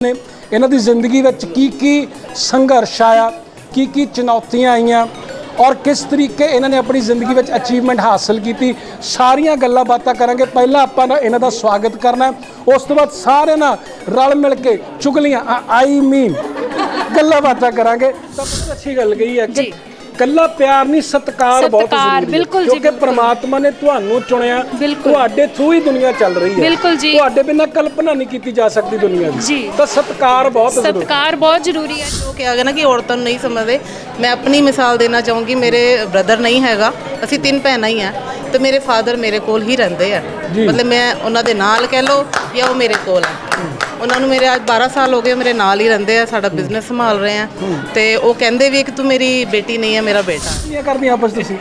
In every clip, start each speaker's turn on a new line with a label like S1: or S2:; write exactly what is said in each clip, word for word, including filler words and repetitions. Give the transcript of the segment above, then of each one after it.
S1: ने इन्हां दी जिंदगी विच की की संघर्ष आया, की की चुनौतियां आईयां और किस तरीके इन्होंने अपनी जिंदगी में अचीवमेंट हासिल की, सारिया गल्लां बातां करांगे। पहला आपां ना इन्हां दा स्वागत करना है, उस तो बाद सारे ना रल मिल के चुगलियां आई मीन गल्लां बातां करांगे। तो अच्छी गल कही है कि कल्ला प्यार नहीं सत्कार बहुत जरूरी है, क्योंकि परमात्मा ने तुहानू चुनिया, तुहाडे थ्रू ही दुनिया चल रही है, तुहाडे बिना कल्पना नहीं की जा सकती दुनिया की। तो सत्कार बहुत
S2: सत्कार बहुत जरूरी है।
S3: जो कहा गया ना कि औरतों नहीं समझते, मैं अपनी मिसाल देना चाहूँगी। मेरे ब्रदर नहीं हैगा, असी तीन भैन ही हैं, तो मेरे फादर मेरे कोल ही रहंदे हैं, मतलब मैं उन्हां दे नाल कह लो या वो मेरे कोल है। उन्होंने मेरे आज बारह साल हो गए मेरे नाल ही रहंदे हैं, साडा बिजनेस संभाल रहे हैं, तो वो कहंदे भी कि तू मेरी बेटी नहीं है, मेरा बेटा।
S1: ये करनी आपस तुसी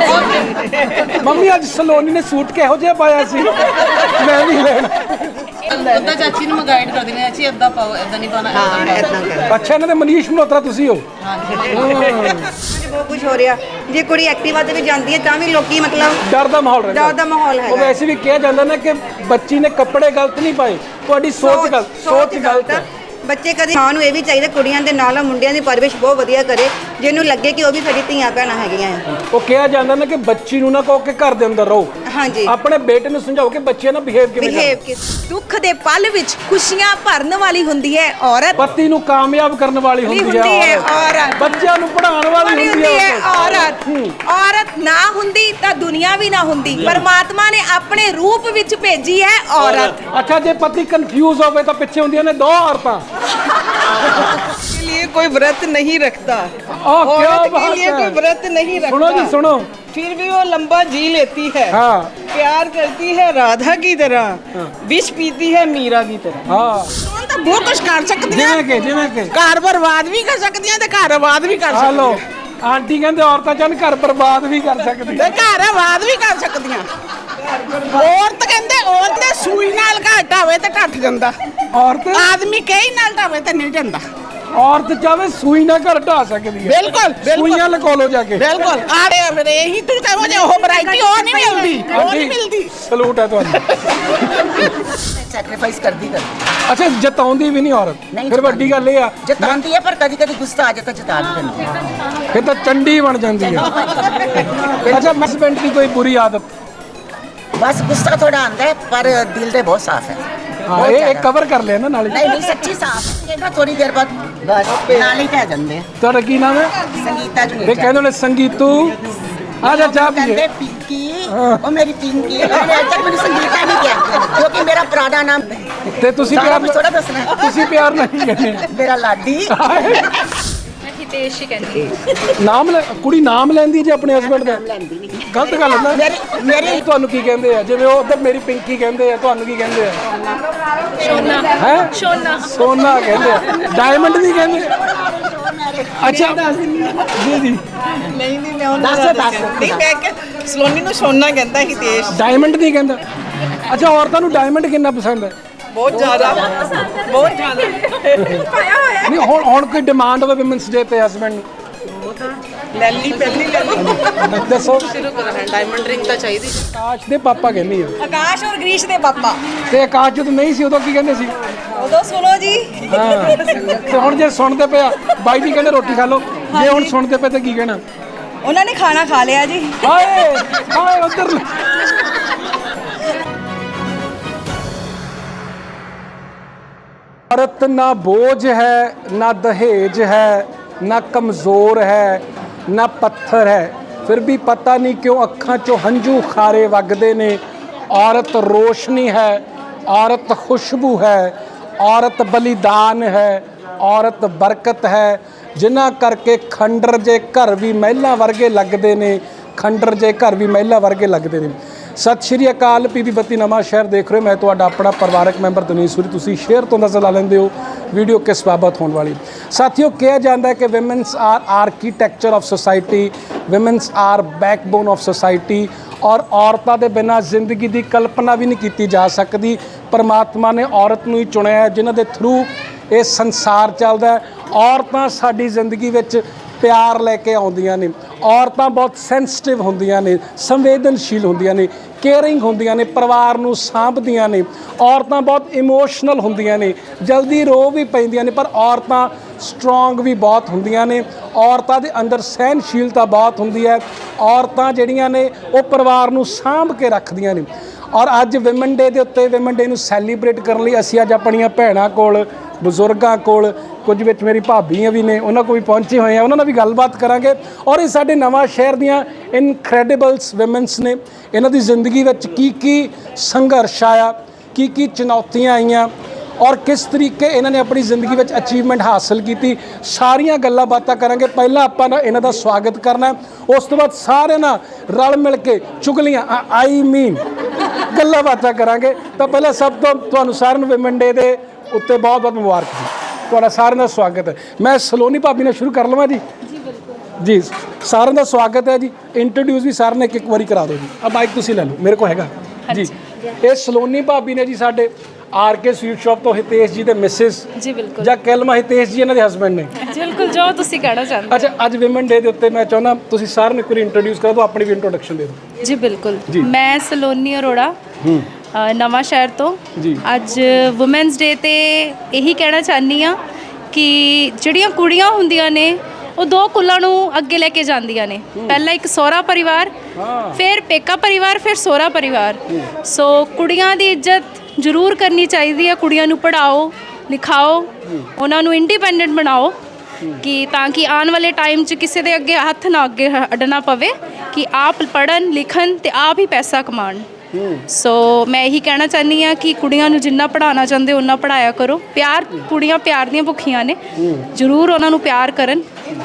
S1: मम्मी आज सलोनी ने सूट किहो जिहा पाया सी, मैं भी लेना।
S3: उदा चाची ਨੂੰ ਗਾਈਡ ਕਰ ਦਿੰਦੇ ਚਾਚੀ ਅੱਦਾ ਪਾਓ, ਇਦਾਂ ਨਹੀਂ ਪਾਣਾ, ਹਾਂ ਇਦਾਂ ਕਰ।
S1: ਅੱਛਾ, ਇਹਨਾਂ ਦੇ ਮਨੀਸ਼ ਮਲਹੋਤਰਾ ਤੁਸੀਂ ਹੋ।
S4: ਬਹੁਤ ਕੁਝ ਹੋ ਰਿਹਾ, ਜੇ ਕੁੜੀ ਐਕਟਿਵਾ ਤੇ ਵੀ ਜਾਂਦੀ ਹੈ ਤਾਂ ਵੀ ਲੋਕੀ ਮਤਲਬ
S1: ਡਰ ਦਾ ਮਾਹੌਲ ਰਹਿੰਦਾ,
S4: ਡਰ ਦਾ ਮਾਹੌਲ ਹੈ।
S1: ਉਹ ਵੈਸੇ ਵੀ ਕਿਹਾ ਜਾਂਦਾ ਨਾ ਕਿ ਬੱਚੀ ਨੇ ਕੱਪੜੇ ਗਲਤ ਨਹੀਂ ਪਾਏ, ਤੁਹਾਡੀ ਸੋਚ ਗਲਤ, ਸੋਚ ਗਲਤ ਹੈ।
S4: ਬੱਚੇ ਕਦੇ ਮਾਂ ਨੂੰ ਇਹ ਵੀ ਚਾਹੀਦਾ ਕੁੜੀਆਂ ਦੇ ਨਾਲ ਮੁੰਡਿਆਂ ਦੀ ਪਰਵਰਿਸ਼ ਬਹੁਤ ਵਧੀਆ ਕਰੇ, ਜਿਹਨੂੰ ਲੱਗੇ ਕਿ ਉਹ ਵੀ ਸਾਡੀ ਧੀਆਂ ਭੈਣਾਂ ਹੈਗੀਆਂ।
S1: ਉਹ ਕਿਹਾ ਜਾਂਦਾ ਨਾ ਕਿ ਬੱਚੀ ਨੂੰ ਨਾ ਕਹੋ ਕਿ ਘਰ ਦੇ ਅੰਦਰ ਰਹੋ,
S4: ਹਾਂਜੀ,
S1: ਆਪਣੇ ਬੇਟੇ ਨੂੰ ਸਮਝਾਓ ਕਿ ਬੱਚੇ ਨਾਲ ਬਿਹੇਵ ਕਿਵੇਂ
S4: ਬਿਹੇਵ।
S2: ਦੁੱਖ ਦੇ ਪਲ ਵਿੱਚ ਖੁਸ਼ੀਆਂ ਭਰਨ ਵਾਲੀ ਹੁੰਦੀ ਹੈ ਔਰਤ,
S1: ਪਤੀ ਨੂੰ ਕਾਮਯਾਬ ਕਰਨ ਵਾਲੀ ਹੁੰਦੀ ਹੈ
S2: ਔਰਤ,
S1: ਬੱਚਿਆਂ ਨੂੰ ਪੜ੍ਹਾਉਣ ਵਾਲੀ ਹੁੰਦੀ ਹੈ
S2: ਔਰਤ। ਔਰਤ ਨਾ ਹੁੰਦੀ ਤਾਂ ਦੁਨੀਆ ਵੀ ਨਾ ਹੁੰਦੀ, ਪਰਮਾਤਮਾ ਨੇ ਆਪਣੇ ਰੂਪ ਵਿੱਚ ਭੇਜੀ ਹੈ ਔਰਤ।
S1: ਅੱਛਾ, ਜੇ ਪਤੀ ਕਨਫਿਊਜ਼ ਹੋਵੇ ਤਾਂ ਪਿੱਛੇ ਹੁੰਦੀਆਂ ਨੇ ਦੋ ਔਰਤਾਂ।
S5: के लिए कोई व्रत नहीं रखता,
S1: औरत
S5: के लिए कोई व्रत नहीं रखता,
S1: सुनो जी सुनो,
S5: फिर भी वो लंबा जी लेती है।
S1: हाँ,
S5: प्यार करती है राधा की तरह, विष पीती है मीरा की तरह।
S1: हाँ,
S5: तो बहुत कुछ कर सकती है,
S1: जिवें के जिवें के
S5: घर बर्बाद भी कर सकती है ते घर आबाद भी कर
S1: हेलो
S5: सकती है।
S1: आंटी कहते औरतां चाहन घर बर्बाद भी कर सकती
S5: ते घर आबाद भी कर सकती हैं। औरत कहते औरत ने सूई नाल घाटा होवे ते टट जांदा,
S1: औरत
S5: आदमी कई नाल ढावे ते नहीं जांदा।
S1: औरत चाहे सूई ना घर ढा सकती है,
S5: बिल्कुल
S1: सूइयां लगा लो जाके,
S5: बिल्कुल। आड़े फिर यही तू कहो जे ओ वैरायटी ओ नहीं मिलदी, ओ नहीं मिलदी।
S1: सलूट है तुहानू।
S6: सैक्रीफाइस करदी करदी
S1: अच्छा, जताउंदी भी नहीं औरत, फिर वड्डी गल ये आ
S6: जतांदी है, पर कदी कदी गुस्सा आ जाता जता भी दिंदी है,
S1: फिर तो चंडी बन जाती है। अच्छा, हस्बैंड की कोई बुरी आदत?
S6: बस गुस्सा थोड़ा आंदा है, पर दिल दे बहुत साफ है।
S1: हाँ, ये एक कवर कर लिया ना नाले।
S6: नहीं नहीं सच्ची साफ है ना, थोड़ी देर बाद बस नाले पै जांदे हैं।
S1: ਤੁਹਾਡਾ ਕੀ ਨਾਮ ਹੈ?
S6: संगीता जी
S1: ਇਹ ਕਹਿੰਦੇ ਨੇ ਸੰਗੀਤੂ आ जा चाह पीजिए।
S6: कहते पिंकी ओ मेरी पिंकी, मैंने आज तक मैंने संगीता नहीं किया क्योंकि मेरा पुराना नाम
S1: ਤੇ ਤੁਸੀਂ
S6: सारा
S1: ਪਿਆਰ
S6: कुछ थोड़ा दसना है।
S1: ਤੁਸੀਂ ਪਿਆਰ ਨਹੀਂ ਕਹਿੰਦੇ,
S6: मेरा लाडी
S2: ਹਿਤੇਸ਼ ਹੀ ਕਹਿੰਦੀ
S1: ਨਾਮ ਲੈ ਕੁੜੀ ਨਾਮ ਲੈਂਦੀ ਜੇ ਆਪਣੇ ਹਸਬੰਡ ਦਾ, ਗਲਤ ਗੱਲ ਹੈ ਨਾ।
S6: मेरी मेरी
S1: ਤੁਹਾਨੂੰ ਕੀ ਕਹਿੰਦੇ ਆ? ਜਿਵੇਂ ਉਹ ਉਧਰ ਮੇਰੀ ਪਿੰਕੀ ਕਹਿੰਦੇ ਆ, ਤੁਹਾਨੂੰ ਕੀ ਕਹਿੰਦੇ ਆ?
S2: ਸੋਨਾ
S1: ਹੈ
S2: ਸੋਨਾ
S1: ਸੋਨਾ ਕਹਿੰਦੇ ਆ, ਡਾਇਮੰਡ ਨਹੀਂ ਕਹਿੰਦੇ। ਅੱਛਾ ਜੀ ਜੀ
S5: नहीं नहीं मैं उन्हें
S6: दस दस
S5: नहीं, मैं के सलोनी ਨੂੰ ਸੋਨਾ ਕਹਿੰਦਾ ਹਿਤੇਸ਼।
S1: ਡਾਇਮੰਡ ਨਹੀਂ ਕਹਿੰਦਾ। ਅੱਛਾ, ਔਰਤਾਂ ਨੂੰ ਡਾਇਮੰਡ ਕਿੰਨਾ ਪਸੰਦ ਹੈ?
S5: ਬਹੁਤ ਜ਼ਿਆਦਾ, ਬਹੁਤ ਜ਼ਿਆਦਾ।
S1: ਨਹੀਂ, ਹੁਣ ਹੁਣ ਕੋਈ ਡਿਮਾਂਡ ਹੋਵੇ ਵਿਮਨਸ ਡੇ ਤੇ ਹਸਬੰਡ ਨੂੰ,
S5: ਲੈ ਲਈ ਪਹਿਲੀ ਲੈ ਲਈ।
S1: ਦੱਸੋ।
S3: ਸ਼ੁਰੂ ਕਰੋ, ਡਾਇਮੰਡ ਰਿੰਗ ਤਾਂ ਚਾਹੀਦੀ।
S1: ਆਕਾਸ਼ ਦੇ ਪਾਪਾ ਕਹਿੰਦੀ ਆ,
S4: ਆਕਾਸ਼ ਔਰ ਗ੍ਰੀਸ਼ ਦੇ ਪਾਪਾ
S1: ਤੇ ਆਕਾਸ਼ ਜਦੋਂ ਨਹੀਂ ਸੀ ਉਦੋਂ ਕੀ ਕਹਿੰਦੇ ਸੀ?
S4: ਉਦੋਂ ਸੁਣੋ ਜੀ,
S1: ਹਾਂ, ਤੇ ਹੁਣ ਜੇ ਸੁਣਦੇ ਪਿਆ ਬਾਈ ਜੀ ਕਹਿੰਦੇ ਰੋਟੀ ਖਾ ਲਓ, ਜੇ ਹੁਣ ਸੁਣਦੇ ਪਏ ਤਾਂ ਕੀ ਕਹਿਣਾ?
S4: ਉਹਨਾਂ ਨੇ ਖਾਣਾ ਖਾ ਲਿਆ ਜੀ।
S1: ਹਾਏ ਹਾਏ ਉਧਰ। औरत ना बोझ है, ना दहेज है, ना कमज़ोर है, ना पत्थर है, फिर भी पता नहीं क्यों अखां चों हंझू खारे वगदे ने। औरत रोशनी है, औरत खुशबू है, औरत बलिदान है, औरत बरकत है, जिन्हां करके खंडर जे घर भी महिला वर्गे लगदे ने, खंडर जे घर भी महिला वर्गे लगदे ने। सत श्री अकाल, पी बी बत्ती नवां शहर देख रहे हो, मैं तुहाडा अपना परिवारक मैंबर दनीश सूरी। तुसीं शेयर तो नज़र ला लेंदे हो वीडियो किस बाबत होने वाली। साथियों, कहा जाता है कि women's are architecture of society, women's are backbone of society, और औरतों के बिना जिंदगी की कल्पना भी नहीं की जा सकती। परमात्मा ने औरत नूं ही चुनिया है, जिन्हां दे थ्रू ये संसार चलता है। औरतां साडी जिंदगी विच प्यार लैके आउंदियां ने, ਔਰਤਾਂ ਬਹੁਤ ਸੈਂਸਿਟਿਵ ਹੁੰਦੀਆਂ ਨੇ, ਸੰਵੇਦਨਸ਼ੀਲ ਹੁੰਦੀਆਂ ਨੇ, ਕੇਅਰਿੰਗ ਹੁੰਦੀਆਂ ਨੇ, ਪਰਿਵਾਰ ਨੂੰ ਸਾਂਭਦੀਆਂ ਨੇ। ਔਰਤਾਂ ਬਹੁਤ ਇਮੋਸ਼ਨਲ ਹੁੰਦੀਆਂ ਨੇ, ਜਲਦੀ ਰੋ ਵੀ ਪੈਂਦੀਆਂ ਨੇ, ਪਰ ਔਰਤਾਂ ਸਟਰੋਂਗ ਵੀ ਬਹੁਤ ਹੁੰਦੀਆਂ ਨੇ। ਔਰਤਾਂ ਦੇ ਅੰਦਰ ਸਹਿਨਸ਼ੀਲਤਾ ਬਹੁਤ ਹੁੰਦੀ ਹੈ। ਔਰਤਾਂ ਜਿਹੜੀਆਂ ਨੇ ਉਹ ਪਰਿਵਾਰ ਨੂੰ ਸਾਂਭ ਕੇ ਰੱਖਦੀਆਂ ਨੇ। ਔਰ ਅੱਜ ਵਿਮਨ ਡੇ ਦੇ ਉੱਤੇ, ਵਿਮਨ ਡੇ ਨੂੰ ਸੈਲੀਬ੍ਰੇਟ ਕਰਨ ਲਈ ਅਸੀਂ ਅੱਜ ਆਪਣੀਆਂ ਭੈਣਾਂ ਕੋਲ, ਬਜ਼ੁਰਗਾਂ ਕੋਲ, ਕੁਝ ਵਿੱਚ ਮੇਰੀ ਭਾਬੀਆਂ ਵੀ ਨੇ, ਉਹਨਾਂ ਕੋਲ ਵੀ ਪਹੁੰਚੇ ਹੋਏ ਆ, ਉਹਨਾਂ ਨਾਲ ਵੀ ਗੱਲਬਾਤ ਕਰਾਂਗੇ। ਔਰ ਇਹ ਸਾਡੇ ਨਵਾਂ ਸ਼ਹਿਰ ਦੀਆਂ ਇਨਕ੍ਰੈਡੀਬਲਸ ਵਿਮਨਸ ਨੇ, ਇਹਨਾਂ ਦੀ ਜ਼ਿੰਦਗੀ ਵਿੱਚ ਕੀ ਕੀ ਸੰਘਰਸ਼ ਆਇਆ, ਕੀ ਕੀ ਚੁਣੌਤੀਆਂ ਆਈਆਂ, ਔਰ ਕਿਸ ਤਰੀਕੇ ਇਹਨਾਂ ਨੇ ਆਪਣੀ ਜ਼ਿੰਦਗੀ ਵਿੱਚ ਅਚੀਵਮੈਂਟ ਹਾਸਲ ਕੀਤੀ, ਸਾਰੀਆਂ ਗੱਲਾਂ ਬਾਤਾਂ ਕਰਾਂਗੇ। ਪਹਿਲਾਂ ਆਪਾਂ ਨਾ ਇਹਨਾਂ ਦਾ ਸਵਾਗਤ ਕਰਨਾ, ਉਸ ਤੋਂ ਬਾਅਦ ਸਾਰੇ ਨਾਲ ਰਲ ਮਿਲ ਕੇ ਚੁਗਲੀਆਂ ਆਈ ਮੀਨ ਗੱਲਾਂ ਬਾਤਾਂ ਕਰਾਂਗੇ। ਤਾਂ ਪਹਿਲਾਂ ਸਭ ਤੋਂ ਤੁਹਾਨੂੰ ਸਾਰਿਆਂ ਨੂੰ ਵਿਮਨ ਡੇ ਦੇ ਉੱਤੇ ਬਹੁਤ ਬਹੁਤ ਮੁਬਾਰਕ ਜੀ। ਤੁਹਾਡਾ ਸਾਰਿਆਂ ਦਾ ਸਵਾਗਤ ਹੈ। ਮੈਂ ਸਲੋਨੀ ਭਾਬੀ ਨਾਲ ਸ਼ੁਰੂ ਕਰ ਲਵਾਂ ਜੀ। ਜੀ ਬਿਲਕੁਲ ਜੀ, ਸਾਰਿਆਂ ਦਾ ਸਵਾਗਤ ਹੈ ਜੀ। ਇੰਟਰੋਡਿਊਸ ਵੀ ਸਾਰਿਆਂ ਨੇ ਇੱਕ ਇੱਕ ਵਾਰੀ ਕਰਾ ਦਿਓ ਜੀ। ਆ ਮਾਈਕ ਤੁਸੀਂ ਲੈ ਲਓ, ਮੇਰੇ ਕੋਲ ਹੈਗਾ ਜੀ। ਇਹ ਸਲੋਨੀ ਭਾਬੀ ਨੇ ਜੀ, ਸਾਡੇ ਆਰ ਕੇ ਸਵੀਟ ਸ਼ਾਪ ਤੋਂ ਹਿਤੇਸ਼ ਜੀ ਦੇ ਮਿਸਿਸ
S7: ਜੀ ਬਿਲਕੁਲ,
S1: ਜਾਂ ਕੈਲਮਾ ਹਿਤੇਸ਼ ਜੀ ਇਹਨਾਂ ਦੇ ਹਸਬੈਂਡ ਨੇ।
S7: ਬਿਲਕੁਲ ਜੋ ਤੁਸੀਂ ਕਹਿਣਾ ਚਾਹੁੰਦੇ।
S1: ਅੱਛਾ, ਅੱਜ ਵਿਮਨ ਡੇ ਦੇ ਉੱਤੇ ਮੈਂ ਚਾਹੁੰਦਾ ਤੁਸੀਂ ਸਾਰਿਆਂ ਨੂੰ ਇੱਕ ਵਾਰੀ ਇੰਟਰੋਡਿਊਸ ਕਰੋ, ਤਾਂ ਆਪਣੀ ਵੀ ਇੰਟਰੋਡਕਸ਼ਨ ਦੇ ਦਿਓ
S7: ਜੀ। ਬਿਲਕੁਲ, ਮੈਂ ਸਲੋਨੀ ਅਰੋੜਾ, ਨਵਾਂ ਸ਼ਹਿਰ ਤੋਂ। ਅੱਜ ਵੂਮੈਨਸ ਡੇ ਤੇ ਇਹੀ ਕਹਿਣਾ ਚਾਹਨੀ ਆ ਕਿ ਜਿਹੜੀਆਂ ਕੁੜੀਆਂ ਹੁੰਦੀਆਂ ਨੇ ਉਹ ਦੋ ਕੁੱਲਾਂ ਨੂੰ ਅੱਗੇ ਲੈ ਕੇ ਜਾਂਦੀਆਂ ਨੇ। ਪਹਿਲਾਂ ਇੱਕ ਸਹੁਰਾ ਪਰਿਵਾਰ, ਫਿਰ ਪੇਕਾ ਪਰਿਵਾਰ, ਫਿਰ ਸਹੁਰਾ ਪਰਿਵਾਰ। ਸੋ ਕੁੜੀਆਂ ਦੀ ਇੱਜ਼ਤ ਜ਼ਰੂਰ ਕਰਨੀ ਚਾਹੀਦੀ ਹੈ। ਕੁੜੀਆਂ ਨੂੰ ਪੜ੍ਹਾਓ, ਲਿਖਾਓ, ਉਹਨਾਂ ਨੂੰ ਇੰਡੀਪੈਂਡੈਂਟ ਬਣਾਓ, ਕਿ ਤਾਂ ਕਿ ਆਉਣ ਵਾਲੇ ਟਾਈਮ 'ਚ ਕਿਸੇ ਦੇ ਅੱਗੇ ਹੱਥ ਨਾ ਅੱਗੇ ਅੱਡਣਾ ਪਵੇ, ਕਿ ਆਪ ਪੜ੍ਹਨ ਲਿਖਣ ਅਤੇ ਆਪ ਹੀ ਪੈਸਾ ਕਮਾਉਣ। ਸੋ ਮੈਂ ਇਹੀ ਕਹਿਣਾ ਚਾਹੁੰਦੀ ਹਾਂ ਕਿ ਕੁੜੀਆਂ ਨੂੰ ਜਿੰਨਾ ਪੜ੍ਹਾਉਣਾ ਚਾਹੁੰਦੇ ਓਨਾ ਪੜ੍ਹਾਇਆ ਕਰੋ। ਪਿਆਰ, ਕੁੜੀਆਂ ਪਿਆਰ ਦੀਆਂ ਭੁੱਖੀਆਂ ਨੇ, ਜ਼ਰੂਰ ਉਹਨਾਂ ਨੂੰ ਪਿਆਰ ਕਰਨ।